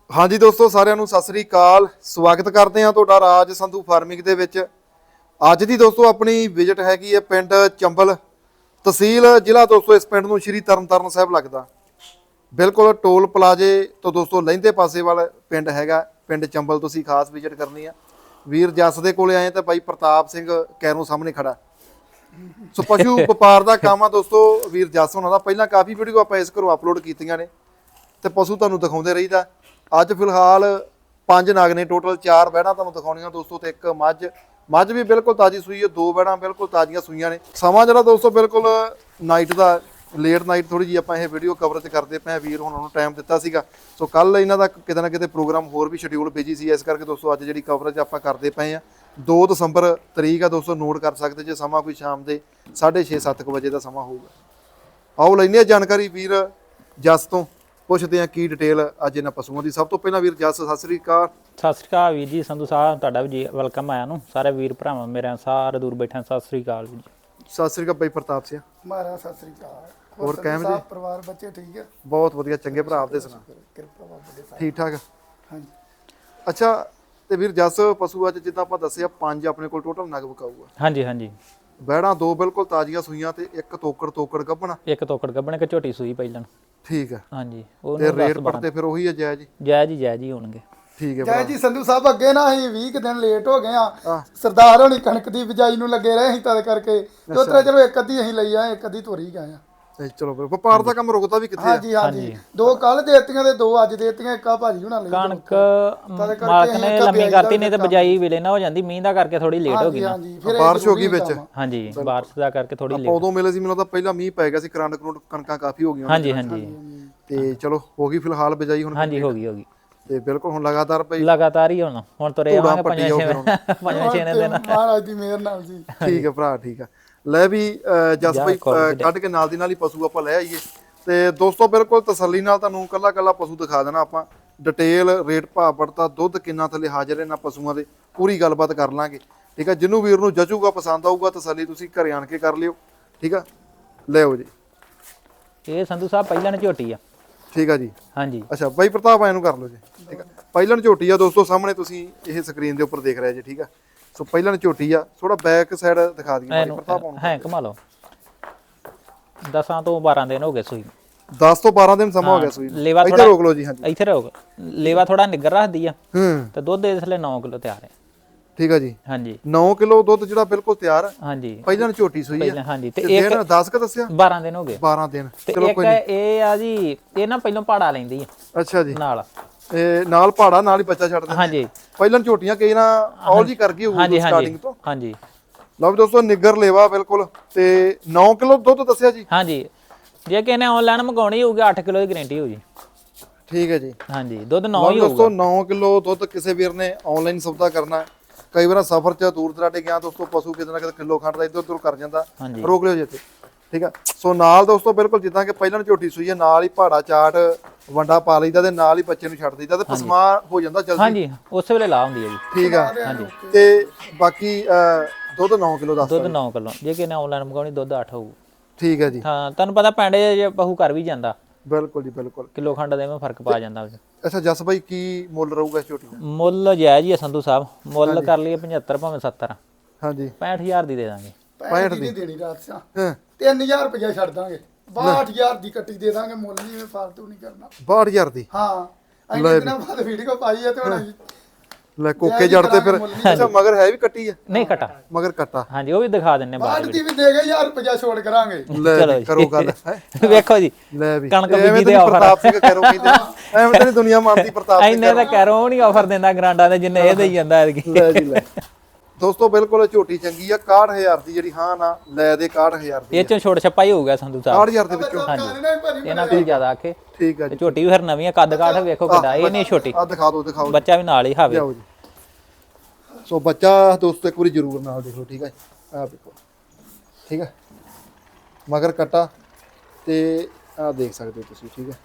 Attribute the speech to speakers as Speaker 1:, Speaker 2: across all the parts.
Speaker 1: हाँ जी दोस्तों साਰਿਆਂ ਨੂੰ ਸਤਿ ਸ੍ਰੀ ਅਕਾਲ ਸਵਾਗਤ ਕਰਦੇ ਹਾਂ ਤੁਹਾਡਾ ਰਾਜ ਸੰਧੂ ਫਾਰਮਿੰਗ ਦੇ ਵਿੱਚ। ਅੱਜ ਦੀ ਦੋਸਤੋ ਆਪਣੀ ਵਿਜ਼ਿਟ ਹੈਗੀ ਹੈ ਪਿੰਡ ਚੰਬਲ, ਤਹਿਸੀਲ ਜ਼ਿਲ੍ਹਾ ਦੋਸਤੋ ਇਸ ਪਿੰਡ ਨੂੰ ਸ਼੍ਰੀ ਤਰਨਤਾਰਨ ਸਾਹਿਬ ਲੱਗਦਾ। ਬਿਲਕੁਲ ਟੋਲ ਪਲਾਜ਼ੇ ਤੋਂ ਦੋਸਤੋ ਲਹਿੰਦੇ ਪਾਸੇ ਵਾਲਾ ਪਿੰਡ ਹੈਗਾ ਪਿੰਡ ਚੰਬਲ। ਤੁਸੀਂ ਖਾਸ ਵਿਜ਼ਿਟ ਕਰਨੀ ਆ। ਵੀਰ ਜੱਸ ਦੇ ਕੋਲੇ ਆਏ ਤਾਂ ਬਾਈ ਪ੍ਰਤਾਪ ਸਿੰਘ ਕੈਰੋਂ ਸਾਹਮਣੇ ਖੜਾ। ਸੋ ਪਸ਼ੂ ਵਪਾਰ ਦਾ ਕੰਮ ਆ ਦੋਸਤੋ ਵੀਰ ਜੱਸ ਹੋਣਾ ਦਾ। ਪਹਿਲਾਂ ਕਾਫੀ ਵੀਡੀਓ ਆਪਾਂ ਇਸ ਘਰੋਂ ਅਪਲੋਡ ਕੀਤੀਆਂ ਨੇ ਤੇ ਪਸ਼ੂ ਤੁਹਾਨੂੰ ਦਿਖਾਉਂਦੇ ਰਹੀਦਾ। ਅੱਜ ਫਿਲਹਾਲ 5 ਨਾਗ ਨੇ, ਟੋਟਲ 4 ਬੈੜਾਂ ਤੁਹਾਨੂੰ ਦਿਖਾਉਣੀਆਂ ਦੋਸਤੋ ਤੇ ਇੱਕ ਮੱਝ ਵੀ ਬਿਲਕੁਲ ਤਾਜ਼ੀ ਸੂਈ ਹੈ। 2 ਬੈੜਾਂ ਬਿਲਕੁਲ ਤਾਜ਼ੀਆਂ ਸੂਈਆਂ ਨੇ। ਸਮਾਂ ਜਿਹੜਾ ਦੋਸਤੋ ਬਿਲਕੁਲ ਨਾਈਟ ਦਾ, ਲੇਟ ਨਾਈਟ ਥੋੜੀ ਜੀ ਆਪਾਂ ਇਹ ਵੀਡੀਓ ਕਵਰੇਜ ਕਰਦੇ ਪਏ। ਵੀਰ ਹੁਣ ਨੂੰ ਟਾਈਮ ਦਿੱਤਾ ਸੀਗਾ, ਸੋ ਕੱਲ ਇਹਨਾਂ ਦਾ ਕਿਤੇ ਨਾ ਕਿਤੇ ਪ੍ਰੋਗਰਾਮ ਹੋਰ ਵੀ ਸ਼ਡਿਊਲ ਬਿਜੀ ਸੀ, ਇਸ ਕਰਕੇ ਦੋਸਤੋ ਅੱਜ ਜਿਹੜੀ ਕਵਰੇਜ ਆਪਾਂ ਕਰਦੇ ਪਏ ਆ 2 ਦਸੰਬਰ ਤਰੀਕ ਆ ਦੋਸਤੋ। ਨੋਟ ਕਰ ਸਕਦੇ ਜੇ ਸਮਾਂ ਕੋਈ ਸ਼ਾਮ ਦੇ 6:30-7 ਵਜੇ ਦਾ ਸਮਾਂ ਹੋਊਗਾ। ਆਓ ਲੈਂਦੇ ਆ ਜਾਣਕਾਰੀ ਵੀਰ ਜੱਸ ਤੋਂ, ਪੁੱਛਦੇ ਆ ਕੀ ਡਿਟੇਲ ਅੱਜ ਇਹਨਾਂ ਪਸ਼ੂਆਂ ਦੀ। ਸਭ ਤੋਂ ਪਹਿਲਾਂ ਵੀਰ ਜੱਸ ਸਤਿ ਸ੍ਰੀ ਅਕਾਲ।
Speaker 2: ਸਤਿ ਸ਼੍ਰੀ ਅਕਾਲ ਵੀਰ ਜੀ, ਸੰਧੂ ਸਾਹਿਬ ਤੁਹਾਡਾ ਵੀ ਜੀ ਵੈਲਕਮ ਆਇਆ ਨੂੰ। ਸਾਰੇ ਵੀਰ ਭਰਾਵਾਂ ਮੇਰੇ ਸਾਰੇ ਦੂਰ ਬੈਠੇ ਸਤਿ ਸ਼੍ਰੀ ਅਕਾਲ ਵੀਰ ਜੀ।
Speaker 1: ਸਤਿ ਸ੍ਰੀ ਅਕਾਲ ਬਾਈ ਪ੍ਰਤਾਪ ਸਿੰਘ।
Speaker 3: ਮਾਰਾ ਸਤਿ ਸ੍ਰੀ ਅਕਾਲ।
Speaker 1: ਹੋਰ ਕਿਵੇਂ ਜੀ?
Speaker 3: ਪਰਿਵਾਰ ਬੱਚੇ ਠੀਕ ਹੈ?
Speaker 1: ਬਹੁਤ ਵਧੀਆ, ਚੰਗੇ ਭਰਾ ਆਪਦੇ ਸੁਣਾ?
Speaker 3: ਕਿਰਪਾ ਬਾਬਾ ਦੇ ਸਾਹਿਬ।
Speaker 1: ਠੀਕ ਠਾਕ।
Speaker 3: ਹਾਂਜੀ
Speaker 1: ਅੱਛਾ ਤੇ ਵੀਰ ਜੱਸ ਪਸ਼ੂ ਅੱਜ ਜਿੱਦਾਂ ਆਪਾਂ ਦੱਸਿਆ 5 ਆਪਣੇ ਕੋਲ ਟੋਟਲ ਨਗ ਵਿਕਾਊਗਾ।
Speaker 2: ਹਾਂਜੀ ਹਾਂਜੀ,
Speaker 1: ਬੈੜਾਂ 2 ਬਿਲਕੁਲ ਤਾਜ਼ੀਆਂ ਸੂਈਆਂ ਤੇ ਇੱਕ ਤੋਕੜ ਗੱਭਣਾ।
Speaker 2: ਇੱਕ ਤੋਕੜ ਗੱਬਣ ਕੇ ਝੋਟੀ ਸੂਈ ਪਹਿਲਾਂ।
Speaker 1: ਠੀਕ ਹੈ।
Speaker 2: ਹਾਂਜੀ, ਉਹ
Speaker 1: ਤੇ ਰੇਟ ਪੜਤੇ ਫਿਰ ਉਹੀ ਹੈ ਜਾਇਜ਼ ਜੀ?
Speaker 2: ਜਾਇਜ਼ ਹੀ ਹੋਣਗੇ।
Speaker 1: ਠੀਕ ਹੈ
Speaker 3: ਜੈ
Speaker 1: ਭਰਾ।
Speaker 3: ਜੀ ਸੰਧੂ ਸਾਹਿਬ, ਅੱਗੇ ਨਾ ਅਸੀਂ 20 ਕੁ ਦਿਨ ਲੇਟ ਹੋ ਗਏ ਆ। ਸਰਦਾਰ ਹੋਣੀ ਕਣਕ ਦੀ ਬਿਜਾਈ ਨੂੰ ਲੱਗੇ ਰਹੇ ਸੀ ਤਦ ਕਰਕੇ। ਤੇ ਉਤਰੇ ਚਲੋ ਇੱਕ ਅੱਧੀ ਅਸੀਂ ਲਈ ਆ, ਇੱਕ ਅੱਧੀ ਤੋਰੀ ਗਏ ਆ।
Speaker 1: ਤੇ ਚਲੋ ਫਿਰ ਵਪਾਰ ਦਾ ਕੰਮ ਰੁਕਦਾ ਵੀ ਕਿੱਥੇ ਆ?
Speaker 3: ਹਾਂਜੀ ਹਾਂਜੀ, 2 ਕੱਲ ਦੇਤੀਆਂ ਤੇ 2 ਅੱਜ ਦੇਤੀਆਂ। ਇੱਕ ਆ ਭਾਜੀ ਹੁਣਾਂ ਲਈ
Speaker 2: ਕਣਕ ਮਾਲਕ ਨੇ ਲੰਮੀ ਕਰਤੀ, ਨਹੀਂ ਤੇ ਬਿਜਾਈ ਵੇਲੇ ਨਾ ਹੋ ਜਾਂਦੀ। ਮੀਂਹ ਦਾ ਕਰਕੇ ਥੋੜੀ ਲੇਟ ਹੋ ਗਈ ਨਾ।
Speaker 3: ਹਾਂਜੀ, ਫਿਰ
Speaker 1: ਬਾਰਿਸ਼ ਹੋ ਗਈ ਵਿੱਚ।
Speaker 2: ਹਾਂਜੀ, ਬਾਰਿਸ਼ ਦਾ ਕਰਕੇ ਥੋੜੀ ਲੇਟ।
Speaker 1: ਉਦੋਂ ਮਿਲੇ ਸੀ ਮੈਨੂੰ ਲੱਗਦਾ ਪਹਿਲਾਂ ਮੀਂਹ ਪੈ ਗਿਆ ਸੀ, ਕਰੰਟ ਕਣਕਾਂ ਕਾਫੀ ਹੋ ਗਈਆਂ।
Speaker 2: ਹਾਂਜੀ ਹਾਂਜੀ
Speaker 1: ਤੇ ਚਲੋ ਹੋ ਗਈ ਫਿਲਹਾਲ ਬਿਜਾਈ ਹੁਣ।
Speaker 2: ਹਾਂਜੀ, ਹੋ ਗਈ
Speaker 1: ਤੇ ਬਿਲਕੁਲ ਹੁਣ ਲਗਾਤਾਰ ਪਈ
Speaker 2: ਲਗਾਤਾਰ ਹੀ ਹੁਣ ਤੁਰੇ ਆਵਾਂਗੇ 5-6 ਦਿਨ।
Speaker 3: ਮਹਾਰਾਜ ਦੀ ਮਿਹਰ ਨਾਲ ਜੀ।
Speaker 1: ਠੀਕ ਹੈ ਭਰਾ, ਠੀਕ ਹੈ। ਲੈ ਵੀ ਜਸ ਭਾਈ ਕੱਢ ਕੇ ਨਾਲ ਦੀ ਨਾਲ ਹੀ ਪਸ਼ੂ ਆਪਾਂ ਲੈ ਆਈਏ। ਤੇ ਦੋਸਤੋ ਬਿਲਕੁਲ ਤਸੱਲੀ ਨਾਲ ਤੁਹਾਨੂੰ ਕੱਲਾ ਪਸ਼ੂ ਦਿਖਾ ਦੇਣਾ ਆਪਾਂ। ਡਿਟੇਲ, ਰੇਟ, ਭਾਅ ਪੜਤਾ, ਦੁੱਧ ਕਿੰਨਾ ਥੱਲੇ ਹਾਜ਼ਰ ਇਹਨਾਂ ਪਸ਼ੂਆਂ ਦੇ ਪੂਰੀ ਗੱਲਬਾਤ ਕਰ ਲਾਂਗੇ। ਠੀਕ ਹੈ, ਜਿਹਨੂੰ ਵੀਰ ਨੂੰ ਜਚੂਗਾ, ਪਸੰਦ ਆਊਗਾ, ਤਸੱਲੀ ਤੁਸੀਂ ਘਰੇ ਆਣ ਕੇ ਕਰ ਲਿਓ। ਠੀਕ ਆ, ਲਿਓ ਜੀ।
Speaker 2: ਇਹ ਸੰਧੂ ਸਾਹਿਬ ਪਹਿਲਾਂ ਝੋਟੀ ਆ।
Speaker 1: ਠੀਕ ਆ ਜੀ।
Speaker 2: ਹਾਂਜੀ।
Speaker 1: ਅੱਛਾ ਬਾਈ ਪ੍ਰਤਾਪ ਆਏ ਨੂੰ ਕਰ ਲਓ ਜੀ। ਠੀਕ ਆ, ਪਹਿਲਾਂ ਝੋਟੀ ਆ ਦੋਸਤੋ ਸਾਹਮਣੇ ਤੁਸੀਂ ਇਹ ਸਕਰੀਨ ਦੇ ਉੱਪਰ ਦੇਖ ਰਹੇ ਜੀ। ਠੀਕ ਆ, ਸੋ ਪਹਿਲਾਂ ਝੋਟੀ ਆ। ਥੋੜਾ ਬੈਕ ਸਾਈਡ ਦਿਖਾ ਦਈਏ ਬਾਈ ਪ੍ਰਤਾਪ ਆਉਣ।
Speaker 2: ਹੈ ਘੁਮਾ ਲਓ। 10 ਤੋਂ 12 ਦਿਨ ਹੋ ਗਏ ਸੂਈ।
Speaker 1: 10 ਤੋਂ 12 ਦਿਨ ਸਮਾਂ ਹੋ ਗਿਆ ਸੂਈ।
Speaker 2: ਲੇਵਾ
Speaker 1: ਇੱਥੇ ਰੋਕ ਲਓ ਜੀ। ਹਾਂਜੀ
Speaker 2: ਇੱਥੇ ਰੋਕ। ਲੇਵਾ ਥੋੜਾ ਨਿੱਗਰ ਰੱਖਦੀ ਆ
Speaker 1: ਹੂੰ।
Speaker 2: ਤੇ ਦੁੱਧ ਇਸ ਲਈ 9 ਕਿਲੋ ਤਿਆਰ ਹੈ।
Speaker 1: ਠੀਕ ਆ ਜੀ।
Speaker 2: ਹਾਂਜੀ,
Speaker 1: 9 ਕਿਲੋ ਦੁੱਧ ਜਿਹੜਾ ਬਿਲਕੁਲ ਤਿਆਰ ਆ।
Speaker 2: ਹਾਂਜੀ,
Speaker 1: ਪਹਿਲਾਂ ਝੋਟੀ ਸੂਈ ਆ।
Speaker 2: ਪਹਿਲਾਂ ਹਾਂਜੀ। ਤੇ
Speaker 1: ਇੱਕ 10 ਕ ਦੱਸਿਆ?
Speaker 2: 12 ਦਿਨ ਹੋ ਗਏ।
Speaker 1: 12 ਦਿਨ।
Speaker 2: ਤੇ
Speaker 1: ਚਲੋ
Speaker 2: ਇੱਕ ਇਹ ਆ ਜੀ, ਇਹ ਨਾ ਪਹਿਲਾਂ ਪਾੜਾ ਲੈਂਦੀ ਆ
Speaker 1: ਅੱਛਾ ਜੀ।
Speaker 2: ਨਾਲ।
Speaker 1: ਇਹ ਨਾਲ ਪਹਾੜਾ ਨਾਲ ਹੀ ਬੱਚਾ ਛੱਡ ਦਿੰਦੇ।
Speaker 2: ਹਾਂਜੀ,
Speaker 1: ਪਹਿਲਾਂ ਝੋਟੀਆਂ ਕਈ ਨਾ ਔਲ ਜੀ ਕਰ ਗਈ ਹੋਊਗੀ ਸਟਾਰਟਿੰਗ ਤੋਂ।
Speaker 2: ਹਾਂਜੀ।
Speaker 1: ਲਓ ਵੀ ਦੋਸਤੋ ਨਿੱਗਰ ਲੇਵਾ ਬਿਲਕੁਲ। ਤੇ 9 ਕਿਲੋ ਦੁੱਧ ਦੱਸਿਆ ਜੀ?
Speaker 2: ਹਾਂਜੀ, ਜੇ ਕਿਸੇ ਨੇ ਆਨਲਾਈਨ ਮੰਗਾਉਣੀ ਹੋਊਗੀ 8 ਕਿਲੋ ਦੀ ਗਾਰੰਟੀ ਹੋਊਗੀ।
Speaker 1: ਠੀਕ ਹੈ ਜੀ।
Speaker 2: ਹਾਂਜੀ, ਦੁੱਧ 9 ਹੀ ਹੋਊਗਾ
Speaker 1: ਦੋਸਤੋ 9 ਕਿਲੋ ਦੁੱਧ ਕਿਸੇ ਵੀਰ ਨੇ ਆਨਲਾਈਨ ਸੌਦਾ ਕਰਨਾ। ਕਈ ਵਾਰ ਸਫ਼ਰ 'ਚ ਦੂਰ ਦਰਾਡੇ ਗਿਆ ਦੋਸਤੋ, ਪਸ਼ੂ ਕਿਤੇ ਨਾ ਕਿਤੇ ਕਿਲੋ ਖੰਡ ਦਾ ਇੱਧਰ ਉੱਧਰ ਕਰ ਜਾਂਦਾ। ਰੋਕ ਲਿਓ ਜੀ ਇੱਥੇ। ਠੀਕ ਆ, ਸੋ ਨਾਲ ਦੋਸਤੋ ਬਿਲਕੁਲ ਜਿੱਦਾਂ ਕਿ ਪਹਿਲਾਂ ਝੋਟੀ ਸੂਈ ਹੈ, ਨਾਲ ਹੀ ਪਹਾੜਾ ਚਾਟ ਵੰਡਾ ਪਾ ਲਈਦਾ ਤੇ ਨਾਲ ਹੀ ਬੱਚੇ ਨੂੰ ਛੱਡ ਦਈਦਾ ਤੇ ਪਸਮਾ ਹੋ ਜਾਂਦਾ ਜਲਦੀ।
Speaker 2: ਹਾਂਜੀ, ਉਸੇ ਵੇਲੇ ਲਾ ਹੁੰਦੀ ਹੈ ਜੀ।
Speaker 1: ਠੀਕ ਆ। ਹਾਂਜੀ। ਤੇ ਬਾਕੀ ਦੁੱਧ 9 ਕਿਲੋ ਦੱਸ।
Speaker 2: ਦੁੱਧ 9 ਕਿਲੋ। ਜੇ ਕਿਸੇ ਨੇ ਆਨਲਾਈਨ ਮੰਗਾਉਣੀ ਦੁੱਧ 8 ਹੋਊ।
Speaker 1: ਠੀਕ ਹੈ ਜੀ।
Speaker 2: ਹਾਂ, ਤੁਹਾਨੂੰ ਪਤਾ ਪੈਂਡੇ ਜੇ ਪਹੂ ਕਰ ਵੀ ਜਾਂਦਾ।
Speaker 1: ਬਿਲਕੁਲ ਜੀ ਬਿਲਕੁਲ।
Speaker 2: ਕਿਲੋ ਖੰਡ ਦੇ ਵਿੱਚ ਫਰਕ ਪਾ ਜਾਂਦਾ।
Speaker 1: ਅੱਛਾ ਜਸ ਭਾਈ ਕੀ ਮੁੱਲ ਰਹੂਗਾ ਇਸ ਝੋਟੀ ਦਾ?
Speaker 2: ਮੁੱਲ ਜਾਇਜ਼ ਹੀ ਆ ਸੰਧੂ ਸਾਹਿਬ। ਮੁੱਲ ਕਰ ਲਈਏ 75 ਭਾਵੇਂ 70।
Speaker 1: ਹਾਂਜੀ,
Speaker 2: 65000 ਦੀ ਦੇ ਦਾਂਗੇ।
Speaker 3: 65 ਦੀ ਦੇਣੀ ਰਾਤ ਸਿਆ।
Speaker 1: ਹਾਂ
Speaker 3: 3000 ਰੁਪਇਆ ਛੱਡ ਦਾਂਗੇ। 62000 ਦੀ ਕੱਟੀ ਦੇ ਦਾਂਗੇ। ਮੁੱਲ ਨਹੀਂ ਮੈਂ ਫਾਲਤੂ ਨਹੀਂ ਕਰਨਾ।
Speaker 1: 62000 ਦੀ?
Speaker 3: ਹਾਂ, ਅਸੀਂ ਦਿਨਾਂ ਬਾਅਦ ਵੀਡੀਓ ਪਾਈ ਹੈ ਤੇ ਹੁਣ
Speaker 1: ਲੈ ਕੋਕੇ ਜੜਦੇ ਫਿਰ। ਅੱਛਾ ਮਗਰ ਹੈ ਵੀ ਕੱਟੀ ਆ?
Speaker 2: ਨਹੀਂ ਕਟਾ।
Speaker 1: ਮਗਰ ਕੱਟਾ।
Speaker 2: ਹਾਂਜੀ, ਉਹ ਵੀ ਦਿਖਾ ਦਿੰਨੇ ਬਾਅਦ
Speaker 3: ਬਾਅਦ ਦੀ ਵੀ ਦੇ ਗਏ 1000 ਰੁਪਇਆ ਛੋੜ ਕਰਾਂਗੇ।
Speaker 1: ਲੈ ਕਰੋ ਗੱਲ।
Speaker 2: ਵੇਖੋ ਜੀ,
Speaker 1: ਲੈ ਵੀ
Speaker 2: ਕਣਕ ਬੀਜੀ ਦੇ ਆਫਰ।
Speaker 1: ਪ੍ਰਤਾਪ ਸਿੰਘ ਕੈਰੋ ਕਹਿੰਦੇ ਐਵੇਂ ਤਾਂ ਦੁਨੀਆ ਮੰਨਦੀ ਪ੍ਰਤਾਪ ਸਿੰਘ।
Speaker 2: ਇੰਨੇ ਤਾਂ ਕੈਰੋ ਨਹੀਂ ਆਫਰ ਦਿੰਦਾ ਗਰਾਂਡਾਂ ਦੇ ਜਿੰਨੇ ਇਹ ਦੇਈ ਜਾਂਦਾ ਐਤਕੀ।
Speaker 1: ਲੈ ਜੀ ਲੈ। ਦੋਸਤੋ ਬਿਲਕੁਲ ਝੋਟੀ ਚੰਗੀ ਆ। 61000 ਦੀ ਜਿਹੜੀ ਹਾਂ ਨਾ ਲੈ ਦੇ 61000 ਦੀ।
Speaker 2: ਇਹ ਚੋਂ ਛੋੜ ਛਪਾਈ ਹੋਊਗਾ ਸੰਧੂ ਸਾਹਿਬ।
Speaker 1: 61000 ਦੇ ਵਿੱਚੋਂ?
Speaker 2: ਇਹਨਾਂ ਤੋਂ ਜ਼ਿਆਦਾ ਆਖੇ।
Speaker 1: ਠੀਕ ਆ
Speaker 2: ਤੇ
Speaker 1: ਜੀ।
Speaker 2: ਝੋਟੀ ਵੀ ਫਿਰ ਨਵੀਂ ਆ, ਕੱਦ ਕਾਠ ਵੇਖੋ ਕਿੱਡਾ। ਇਹ ਨਹੀਂ ਛੋਟੀ।
Speaker 1: ਆ ਦਿਖਾ ਦਿਓ
Speaker 2: ਬੱਚਾ ਵੀ ਨਾਲ ਹੀ ਹਾਵੇ।
Speaker 1: ਲਿਆਓ ਜੀ। ਸੋ ਬੱਚਾ ਦੋਸਤੋ ਇੱਕ ਵਾਰੀ ਜ਼ਰੂਰ ਨਾਲ ਦੇਖੋ। ਠੀਕ ਹੈ, ਆ ਦੇਖੋ। ਠੀਕ ਹੈ, ਮਗਰ ਕੱਟਾ ਤੇ ਆ ਦੇਖ ਸਕਦੇ ਹੋ ਤੁਸੀਂ। ਠੀਕ ਹੈ,